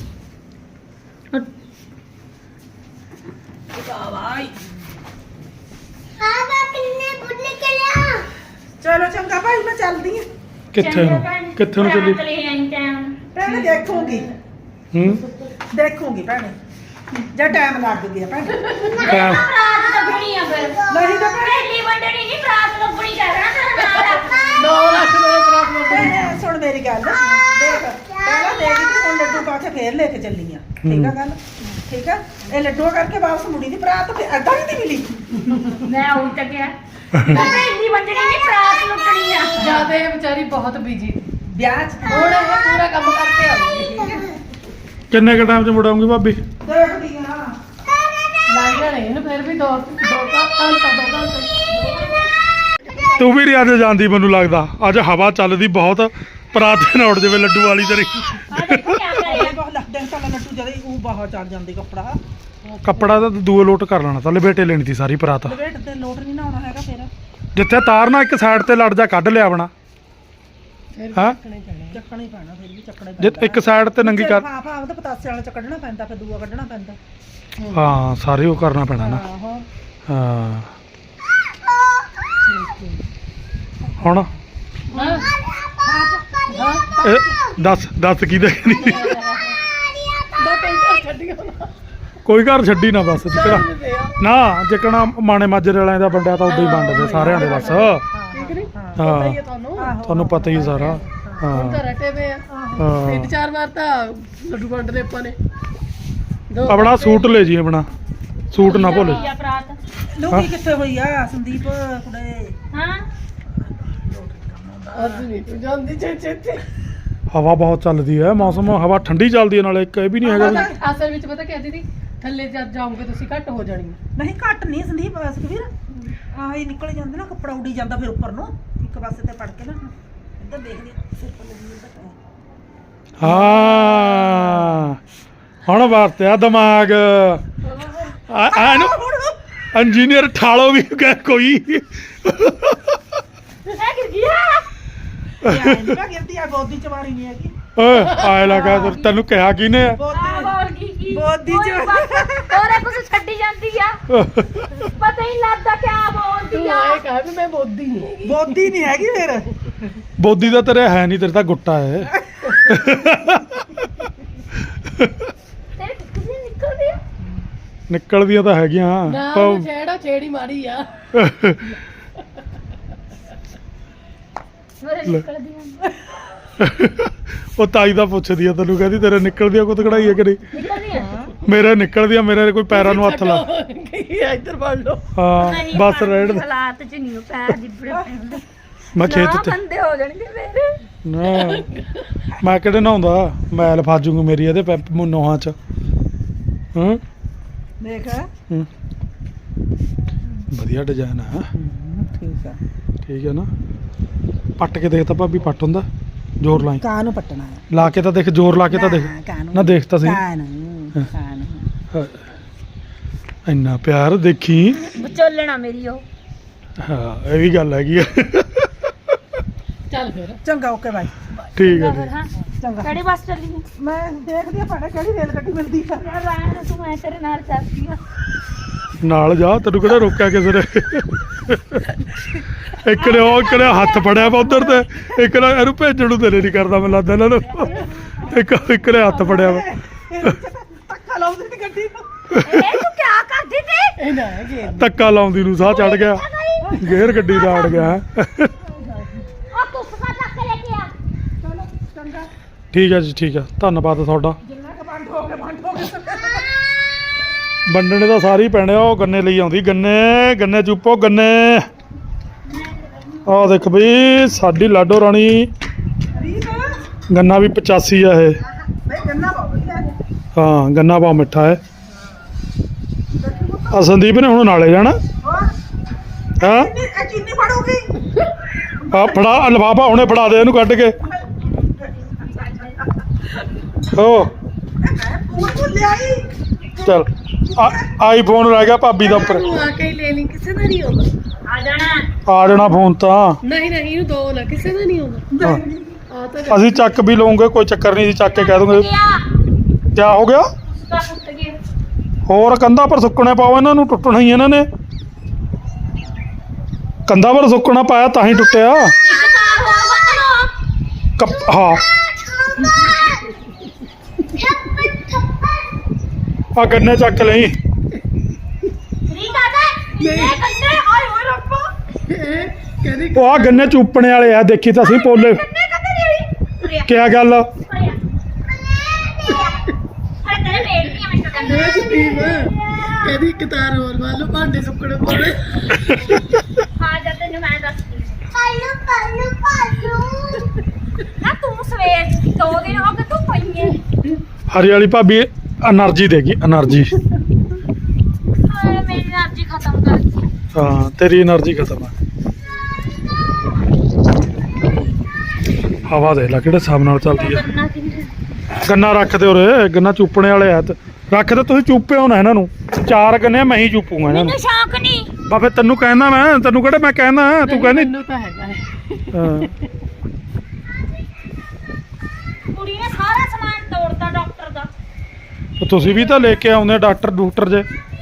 S3: ਚਲੋ ਚੰਗਾ ਭਾਈ ਮੈਂ ਚੱਲਦੀ ਹਾਂ।
S1: ਕਿੱਥੇ ਨੂੰ ਕਿੱਥੇ ਨੂੰ ਚੱਲੀ?
S3: ਭੈਣੇ ਦੇਖੂਗੀ
S1: ਹੂੰ
S3: ਦੇਖੂਗੀ ਭੈਣੇ, ਜੇ ਟਾਈਮ ਲੱਗ ਗਿਆ ਭੈਣੇ।
S1: ਟਾਈਮ
S2: ਰਾਤ ਲੱਗਣੀ ਆ ਫਿਰ।
S3: ਨਹੀਂ ਤਾਂ ਭੈਣੇ
S2: ਪਹਿਲੀ ਵੰਡਣੀ ਨਹੀਂ, ਰਾਤ ਲੱਗਣੀ ਕਰਨਾ ਨਾਲ।
S4: ਨੌ ਲੱਖ ਦਾ ਪ੍ਰੋਬਲਮ
S3: ਭੈਣੇ ਸੁਣ ਮੇਰੀ ਗੱਲ, ਦੇਖ ਪਹਿਲਾਂ ਦੇਖ ਕੇ ਹੁਣ ਲੱਡੂ ਪਾ ਕੇ ਫੇਰ ਲੈ ਕੇ ਚੱਲੀ ਆ। ਠੀਕ ਆ ਗੱਲ, ਠੀਕ ਆ। ਇਹ ਲੱਡੂ ਕਰਕੇ ਵਾਪਸ ਮੁੜੀ ਦੀ ਬਰਾਤ ਤੇ ਅੱਡਾ ਵੀ ਨਹੀਂ ਮਿਲੀ।
S2: ਮੈਂ ਉਹੀ ਤਾਂ ਕਿਹਾ ਪਹਿਲੀ ਵੰਡਣੀ ਨਹੀਂ, ਰਾਤ ਲੱਗਣੀ ਆ।
S4: ਜਿਆਦਾ ਇਹ ਵਿਚਾਰੀ ਬਹੁਤ ਬਿਜੀ
S3: ਵਿਆਹ ਚ
S4: ਹੁਣ ਇਹ ਪੂਰਾ ਕੰਮ ਕਰਕੇ ਆਉਂਦੀ।
S1: ਕਿੰਨੇ ਕ ਟਾਈਮ 'ਚ ਮੁੜਾਉਂਗੀ ਭਾਬੀ?
S3: ਦੇਖਦੀ ਆ
S4: ਲੱਗ ਜਾਣੇ ਇਹਨੂੰ ਫਿਰ ਵੀ ਦੋ ਦੋ ਘੰਟਾ ਦੋ ਘੰਟੇ।
S1: ਤੂੰ ਵੀ ਨਹੀਂ ਅੱਜ ਜਾਂਦੀ ਮੈਨੂੰ ਲੱਗਦਾ। ਅੱਜ ਹਵਾ ਚੱਲਦੀ ਬਹੁਤ, ਪਰਾਤੇ ਨਾ ਉੱਡ ਜਾਵੇ ਲੱਡੂ ਵਾਲੀ ਤੇਰੀ।
S2: ਆ ਦੇਖੋ ਕੀ ਕਰਿਆ।
S3: ਬਹੁਤ ਲੱਗਦਾ ਹੈ ਸਾਲਾ ਲੱਡੂ ਜਦੇ ਉਹ ਬਾਹਰ ਚੜ ਜਾਂਦੇ ਕੱਪੜਾ।
S1: ਕੱਪੜਾ ਤਾਂ ਦੂਏ ਲੋਟ ਕਰ ਲੈਣਾ ਤਾਂ, ਲਪੇਟੇ ਲੈਣੀ ਤੀ ਸਾਰੀ ਪਰਾਤ।
S3: ਲਵੇਟ ਤੇ ਲੋਟ ਨਹੀਂ ਨਾ ਆਉਣਾ ਹੈਗਾ ਫਿਰ।
S1: ਜਿੱਥੇ ਤਾਰਨਾ ਇੱਕ ਸਾਈਡ ਤੇ ਲੜ ਜਾ ਕੱਢ ਲਿਆ ਬਣਾ। ਹਾਂ
S3: ਚੱਕਣਾ ਹੀ ਪੈਣਾ, ਫਿਰ ਵੀ ਚੱਕਣਾ ਹੀ
S1: ਜੇ
S3: ਪੈਣਾ।
S1: ਇੱਕ ਸਾਈਡ ਤੇ ਨੰਗੀ ਕਰ।
S3: ਹਾਂ ਹਾਂ ਉਹਦਾ ਪਤਾਸੇ ਵਾਲਾ ਚ ਕੱਢਣਾ ਪੈਂਦਾ, ਫਿਰ ਦੂਆ ਕੱਢਣਾ ਪੈਂਦਾ।
S1: ਹਾਂ ਸਾਰੇ ਉਹ ਕਰਨਾ ਪੈਣਾ ਨਾ।
S3: ਆਹੋ
S1: ਹਾਂ ਹੁਣ
S4: ਹਾਂ
S1: ਇਹ ਦੱਸ ਦੱਸ ਕੀ ਦੇਖਣੀ?
S4: ਦੋ ਘੰਟੇ ਛੱਡੀਆਂ ਨਾ
S1: ਕੋਈ ਘਰ ਛੱਡੀ ਨਾ ਬਸ ਜਿਕਣਾ ਨਾ, ਜਿਕਣਾ ਮਾਣੇ ਮਾਜਰੇ ਵਾਲਿਆਂ ਦਾ ਵੰਡਿਆ ਤਾਂ ਉਦੋਂ ਹੀ ਵੰਡਦੇ ਸਾਰਿਆਂ ਦੇ ਬਸ।
S4: ਠੀਕ ਨਹੀਂ
S1: ਹਾਂ
S4: ਪਤਾ ਹੀ ਹੈ ਤੁਹਾਨੂੰ।
S3: ਆਹੋ
S1: ਤੁਹਾਨੂੰ ਪਤਾ ਹੀ ਸਾਰਾ।
S4: ਹੁਣ
S1: ਹਾਂ
S4: ਤਾਂ ਰਟੇ ਪਏ ਆ।
S1: ਹਾਂ
S4: ਤਿੰਨ ਚਾਰ ਵਾਰ ਤਾਂ ਲੱਡੂ ਵੰਡਦੇ ਆਪਾਂ ਨੇ। ਦੋ
S1: ਆਪਣਾ
S4: ਘੰਟੇ।
S1: ਸੂਟ ਲੈ ਜੀ, ਆਪਣਾ ਸੂਟ ਨਾ ਭੁੱਲ।
S2: ਆ ਬਰਾਤ।
S3: ਲੂਕੀ ਕਿੱਥੇ ਹੋਈ ਆ ਸੰਦੀਪ ਕੁੜੇ?
S2: ਹਾਂ
S4: ਅੱਜ ਨਹੀਂ ਤੂੰ ਜਾਂਦੀ ਛੇ ਛੇ ਛੇ।
S1: ਹਵਾ ਬਹੁਤ ਚੱਲਦੀ ਹੈ, ਮੌਸਮ ਹਵਾ ਠੰਡੀ ਚੱਲਦੀ ਹੈ, ਨਾਲੇ ਇੱਕ ਇਹ ਵੀ ਨਹੀਂ ਹੈਗਾ ਵੀ
S4: ਅਸਲ ਵਿੱਚ ਪਤਾ ਕਿਆ ਦੀਦੀ, ਥੱਲੇ ਜਦ ਜਾਓਗੇ ਤੁਸੀਂ ਘੱਟ ਹੋ ਜਾਣੀ।
S3: ਨਹੀਂ ਘੱਟ ਨਹੀਂ ਸੰਦੀਪ, ਸੁਖਵੀਰ ਆਹ ਹੀ ਨਿਕਲ ਜਾਂਦੇ ਨਾ, ਕੱਪੜਾ ਉੱਡੀ ਜਾਂਦਾ ਫਿਰ ਉੱਪਰ ਨੂੰ ਇੱਕ ਪਾਸੇ ਤੇ ਪੜ ਕੇ ਨਾ ਇੱਧਰ ਦੇਖਦੀ ਆ, ਸਿਰ ਪਰ ਲੱਗੀ ਜਾਂਦਾ।
S1: ਹਾਂ ਹੁਣ ਵਰਤਿਆ ਦਿਮਾਗ। ਆ ਆ ਇਹਨੂੰ ਇੰਜੀਨੀਅਰ ਠਾਲੋ ਵੀ ਕਹਿ ਕੋਈ।
S2: ਇਹ ਗਿਰ ਗਿਆ।
S3: ਇਹ ਨਾ ਗਿਰਦੀ ਆ, ਗੋਦੀ ਚ ਮਾਰੀ ਨਹੀਂ ਹੈਗੀ।
S1: ਓਏ ਆਏ ਲਗਾ ਤੈਨੂੰ ਕਿਹਾ ਕਿਨੇ?
S2: ਆ
S3: ਗੋਦੀ
S2: ਬੋਲ ਕੀ ਕੀ
S3: ਬੋਦੀ ਚ।
S2: ਉਹਰੇ ਕੁਝ ਛੱਡੀ ਜਾਂਦੀ ਆ, ਪਤਾ ਹੀ ਲੱਗਦਾ ਕਿਆ ਬੋਲਦੀ
S4: ਤੂੰ
S2: ਆ।
S4: ਇਹ ਕਹਾਂ ਵੀ ਮੈਂ ਬੋਦੀ ਨਹੀਂ ਹੈਗੀ।
S3: ਬੋਦੀ ਨਹੀਂ ਹੈਗੀ ਫਿਰ।
S1: ਬੋਦੀ ਦਾ ਤੇਰੇ ਹੈ ਨਹੀਂ, ਤੇਰੇ ਤਾਂ ਗੁੱਟਾ ਹੈ।
S2: ਤੇਰੇ ਕਿੱਥੇ ਨਿਕਲਦੀ ਆ?
S1: ਨਿਕਲਦੀਆਂ ਤਾਂ ਹੈਗੀਆਂ
S4: ਨਾ
S1: ਪਰ
S4: ਛੇੜਾ ਛੇੜੀ ਮਾਰੀ ਆ।
S2: ਮੇਰੇ ਨਿਕਲਦੀ ਆ।
S1: ਉਹ ਤਾਈ ਦਾ ਪੁੱਛਦੀ ਆ ਤੈਨੂੰ, ਕਹਿੰਦੀ ਤੇਰੇ ਨਿਕਲਦੀਆਂ ਕੁੱਤ ਕਢਾਈ ਹੈ ਕਿ ਨਹੀਂ?
S2: ਨਿਕਲਦੀ ਆ।
S1: ਮੇਰੇ ਨਿਕਲਦੀਆਂ, ਮੇਰੇ ਕੋਈ ਪੈਰਾਂ ਨੂੰ ਹੱਥ ਲਾ।
S4: ਕੀ ਇੱਧਰ ਫੜ ਲਓ।
S1: ਹਾਂ
S2: ਨਹੀਂ,
S1: ਬਸ
S2: ਪਾਣੀ
S1: ਰਹਿਣ
S2: ਦੀ
S1: ਦੇ।
S2: ਹਾਲਾਤ ਚ ਨਹੀਂ ਉਹ ਪੈਰ ਜਿੱਬੜੇ ਪੈਂਦੇ।
S1: ਮੈਂ ਖੇਤ
S2: ਨਾ
S1: ਤੇ
S2: ਬੰਦੇ ਹੋ ਜਾਣਗੇ ਮੇਰੇ।
S1: ਨਾ ਮੈਂ ਕਿਹੜੇ ਨਹਾਉਂਦਾ ਮੈਲ ਫਾਜੂਗੀ ਮੇਰੀ ਇਹਦੇ ਪੈਪ ਨੋਹਾਂ ਚ ਹੂੰ
S3: ਦੇਖ
S1: ਹੂੰ ਵਧੀਆ ਡਿਜ਼ਾਈਨ ਆ
S3: ਠੀਕ ਆ
S1: ਠੀਕ ਹੈ ਨਾ ਪੱਟ ਕੇ ਦੇਖ ਤਾਂ ਭਾਬੀ ਪੱਟ ਹੁੰਦਾ ਜ਼ੋਰ ਲਾਈ
S3: ਕਾਂ ਨੂੰ ਪੱਟਣਾ ਹੈ
S1: ਲਾ ਕੇ ਤਾਂ ਦੇਖ ਜ਼ੋਰ ਲਾ ਕੇ ਤਾਂ ਦੇਖ ਨਾ ਦੇਖ ਤਾਂ ਸਹੀ
S3: ਕਾਂ ਨੂੰ ਕਾਂ ਨੂੰ
S1: ਇੰਨਾ ਪਿਆਰ ਦੇਖੀ
S2: ਵਿਚੋਲਣਾ ਮੇਰੀ ਉਹ
S1: ਹਾਂ ਇਹ ਵੀ ਗੱਲ ਹੈਗੀ ਆ
S4: ਚੱਲ ਫਿਰ
S3: ਚੰਗਾ ਓਕੇ ਬਾਈ
S1: ਠੀਕ ਹੈ
S2: ਫਿਰ
S1: ਜੀ
S2: ਹਾਂ
S3: ਚੰਗਾ
S2: ਕਿਹੜੀ ਬੱਸ ਚੱਲੀ ਹੈ
S3: ਮੈਂ ਦੇਖਦੀ ਆ ਭਾੜਾ ਕਿਹੜੀ ਰੇਲ ਗੱਡੀ ਮਿਲਦੀ ਆ
S2: ਯਾਰ ਰਹਿਣ ਤੂੰ ਮੈਂ ਤੇਰੇ ਨਾਲ ਚੱਲਦੀ ਆ
S1: ਨਾਲ ਜਾ ਤੈਨੂੰ ਕਿਹੜਾ ਰੋਕਿਆ ਕਿਸੇ ਨੇ ਇੱਕ ਨੇ ਉਹ ਇੱਕ ਨੇ ਹੱਥ ਫੜਿਆ ਵਾ ਉਧਰ ਤੇ ਇੱਕ ਨੇ ਇਹਨੂੰ ਭੇਜਣ ਨੂੰ ਤੇਰੇ ਨਹੀਂ ਕਰਦਾ ਮੈਨੂੰ ਲੱਗਦਾ ਇਹਨਾਂ ਨੂੰ ਇੱਕ ਇੱਕ ਨੇ ਹੱਥ ਫੜਿਆ ਵਾ
S3: ਧੱਕਾ ਲਾਉਂਦੀ ਸੀ ਗੱਡੀ ਨੂੰ
S2: ਇਹ ਤੂੰ ਕੀ ਕਰਦੀ ਤੀ
S4: ਇਹ ਨਾ ਹੈਗੇ
S1: ਧੱਕਾ ਲਾਉਂਦੀ ਨੂੰ ਸਾਹ ਚੜ ਗਿਆ ਗੇਅਰ ਗੱਡੀ ਦਾ ਅੜ ਗਿਆ
S2: ਆ ਤੂੰ ਸਫਾ ਚੱਕ ਕੇ ਲੈ ਕੇ ਆ
S3: ਚਲੋ ਚੰਗਾ
S1: ਠੀਕ ਹੈ ਜੀ ਠੀਕ ਹੈ ਧੰਨਵਾਦ ਤੁਹਾਡਾ
S3: ਜਿੰਨਾ ਕ ਬੰਦ ਹੋ ਗਿਆ ਬੰਦ ਹੋ ਗਿਆ
S1: ਵੰਡਣੇ ਤਾਂ ਸਾਰੇ ਹੀ ਪੈਣੇ ਆ ਉਹ ਗੰਨੇ ਲਈ ਆਉਂਦੀ ਗੰਨੇ ਗੰਨੇ ਚੁੱਪੋ ਗੰਨੇ ਆਹ ਦੇਖ ਬਈ ਸਾਡੀ ਲਾਡੋ ਰਾਣੀ
S3: ਰੀਤ
S1: ਗੰਨਾ ਵੀ ਪਚਾਸੀ ਆ ਇਹ
S3: ਬਈ ਗੰਨਾ ਬਹੁਤ ਵਧੀਆ ਹੈ
S1: ਹਾਂ ਗੰਨਾ ਬਹੁਤ ਮਿੱਠਾ ਹੈ ਆ ਸੰਦੀਪ ਨੇ ਹੁਣ ਨਾਲੇ ਜਾਣਾ
S3: ਹੋਰ
S1: ਹਾਂ
S3: ਚੀਨੀ ਇਹ ਚੀਨੀ ਫੜੂਗੀ
S1: ਆ ਫੜਾ ਲਿਫਾਫਾ ਹੁਣੇ ਫੜਾ ਦੇ ਇਹਨੂੰ ਕੱਢ ਕੇ ਓ
S3: ਪੂਰ ਪੂਰ ਲਿਆਈ
S1: ਚਲ ਆਈਫੋਨ ਰਹਿ ਗਿਆ ਭਾਬੀ ਦਾ ਉੱਪਰ
S4: ਤੂੰ ਆ ਕੇ ਹੀ ਲੈ ਲਈ ਕਿਸੇ ਦਾ ਨਹੀਂ ਆਉਂਦਾ
S2: ਆ ਜਾਣਾ
S1: ਆ ਜਾਣਾ ਫੋਨ ਤਾਂ
S4: ਨਹੀਂ ਨਹੀਂ ਇਹਨੂੰ ਦੋ ਨਾ ਕਿਸੇ ਦਾ ਨਹੀਂ ਆਉਂਦਾ
S1: ਹਾਂ।
S4: ਆ ਤਾਂ
S1: ਅਸੀਂ ਚੱਕ ਵੀ ਲਵਾਂਗੇ ਕੋਈ ਚੱਕਰ ਨਹੀਂ ਜੀ ਚੱਕ ਕੇ ਕਹਿ ਦੂੰਗੇ
S2: ਗਿਆ
S1: ਕਿਆ ਹੋ ਗਿਆ
S2: ਉਸਦਾ ਪੁੱਤ ਗਿਆ
S1: ਹੋਰ ਕੰਧਾਂ ਪਰ ਸੁੱਕਣੇ ਪਾਓ ਇਹਨਾਂ ਨੂੰ ਟੁੱਟਣਾ ਹੀ ਇਹਨਾਂ ਨੇ ਕੰਧਾਂ ਪਰ ਸੁੱਕਣਾ ਪਾਇਆ ਤਾਂ ਹੀ ਟੁੱਟਿਆ
S2: ਇੱਕ ਤਾਰ ਹੋਰ ਬੰਨ ਲਓ
S1: ਕੱਪ ਹਾਂ ਆ ਗੰਨੇ ਚੱਕ ਲਈ
S2: ਰੀਤਾ ਦਾ ਇਹ ਕੰਨੇ ਆਏ ਹੋਏ ਰੱਬਾ
S4: ਇਹ ਕਹਿੰਦੀ
S1: ਉਹ ਆ ਗੰਨੇ ਚੂਪਣੇ ਵਾਲੇ ਆ ਦੇਖੀ ਤਾਂ ਅਸੀਂ ਪੋਲੇ
S2: ਕੰਨੇ ਕੰਨੇ ਨਹੀਂ ਹੋਈ
S1: ਕਿਆ ਗੱਲ
S2: ਹਰੇ ਤੇਰੇ ਬੇਟੀ ਆ ਮੈਨੂੰ ਕਹਿੰਦਾ
S4: ਇਹ ਸਟੀਮ ਕਹਿੰਦੀ ਇੱਕ ਤਾਰ ਹੋਰ ਵਾ ਲਓ ਭਾਂਡੇ ਸੁੱਕਣੇ ਪਾਉਣੇ
S2: ਹਾਂ ਜਦ ਤੈਨੂੰ ਮੈਂ ਦੱਸਦੀ ਪਾਲੂ ਪਾਲੂ ਪਾਲੂ ਨਾ ਤੂੰ ਸਵੇਰ ਦੋ ਦਿਨ ਹੋ ਗਏ ਤੂੰ ਪਈ ਹੈ
S1: ਹਰੀ ਵਾਲੀ ਭਾਬੀ એનર્ਜੀ ਦੇਗੀ એનર્ਜੀ
S2: ਹਾਏ ਮੇਰੀ એનર્ਜੀ ਖਤਮ ਕਰਤੀ
S1: ਹਾਂ ਤੇਰੀ એનર્ਜੀ ਖਤਮ ਆ ਹਵਾ ਦੇ ਲੈ ਕਿਹੜੇ ਹਿਸਾਬ ਨਾਲ ਚੱਲਦੀ ਆ
S2: ਕਰਨਾ ਕਿੰਨੇ
S1: ਗੰਨਾ ਰੱਖ ਦੇ ਉਰੇ ਗੰਨਾ ਚੂਪਣੇ ਵਾਲੇ ਆ ਤੇ ਰੱਖ ਦੇ ਤੁਸੀਂ ਚੂਪੇ ਹੋਣਾ ਇਹਨਾਂ ਨੂੰ ਚਾਰ ਗੰਨੇ ਮੈਂ ਹੀ ਚੂਪੂਗਾ ਇਹਨਾਂ ਨੂੰ
S2: ਮੈਨੂੰ ਸ਼ੌਕ ਨਹੀਂ
S1: ਬਾ ਫਿਰ ਤੈਨੂੰ ਕਹਿੰਦਾ ਮੈਂ ਤੈਨੂੰ ਕਿਹੜਾ ਮੈਂ ਕਹਿੰਦਾ ਤੂੰ ਕਹਿੰਦੀ
S4: ਮੈਨੂੰ ਤਾਂ ਹੈਗਾ ਹੈ
S1: ਹਾਂ
S2: ਕੁੜੀ ਨੇ ਸਾਰਾ ਸਮਾਨ ਤੋੜਤਾ ਡਾਕਟਰ ਦਾ
S1: ਤੇ ਤੁਸੀਂ ਵੀ ਤਾਂ ਲੈ ਕੇ ਆਉਂਦੇ ਡਾਕਟਰ ਡੂਕਟਰ ਜੇ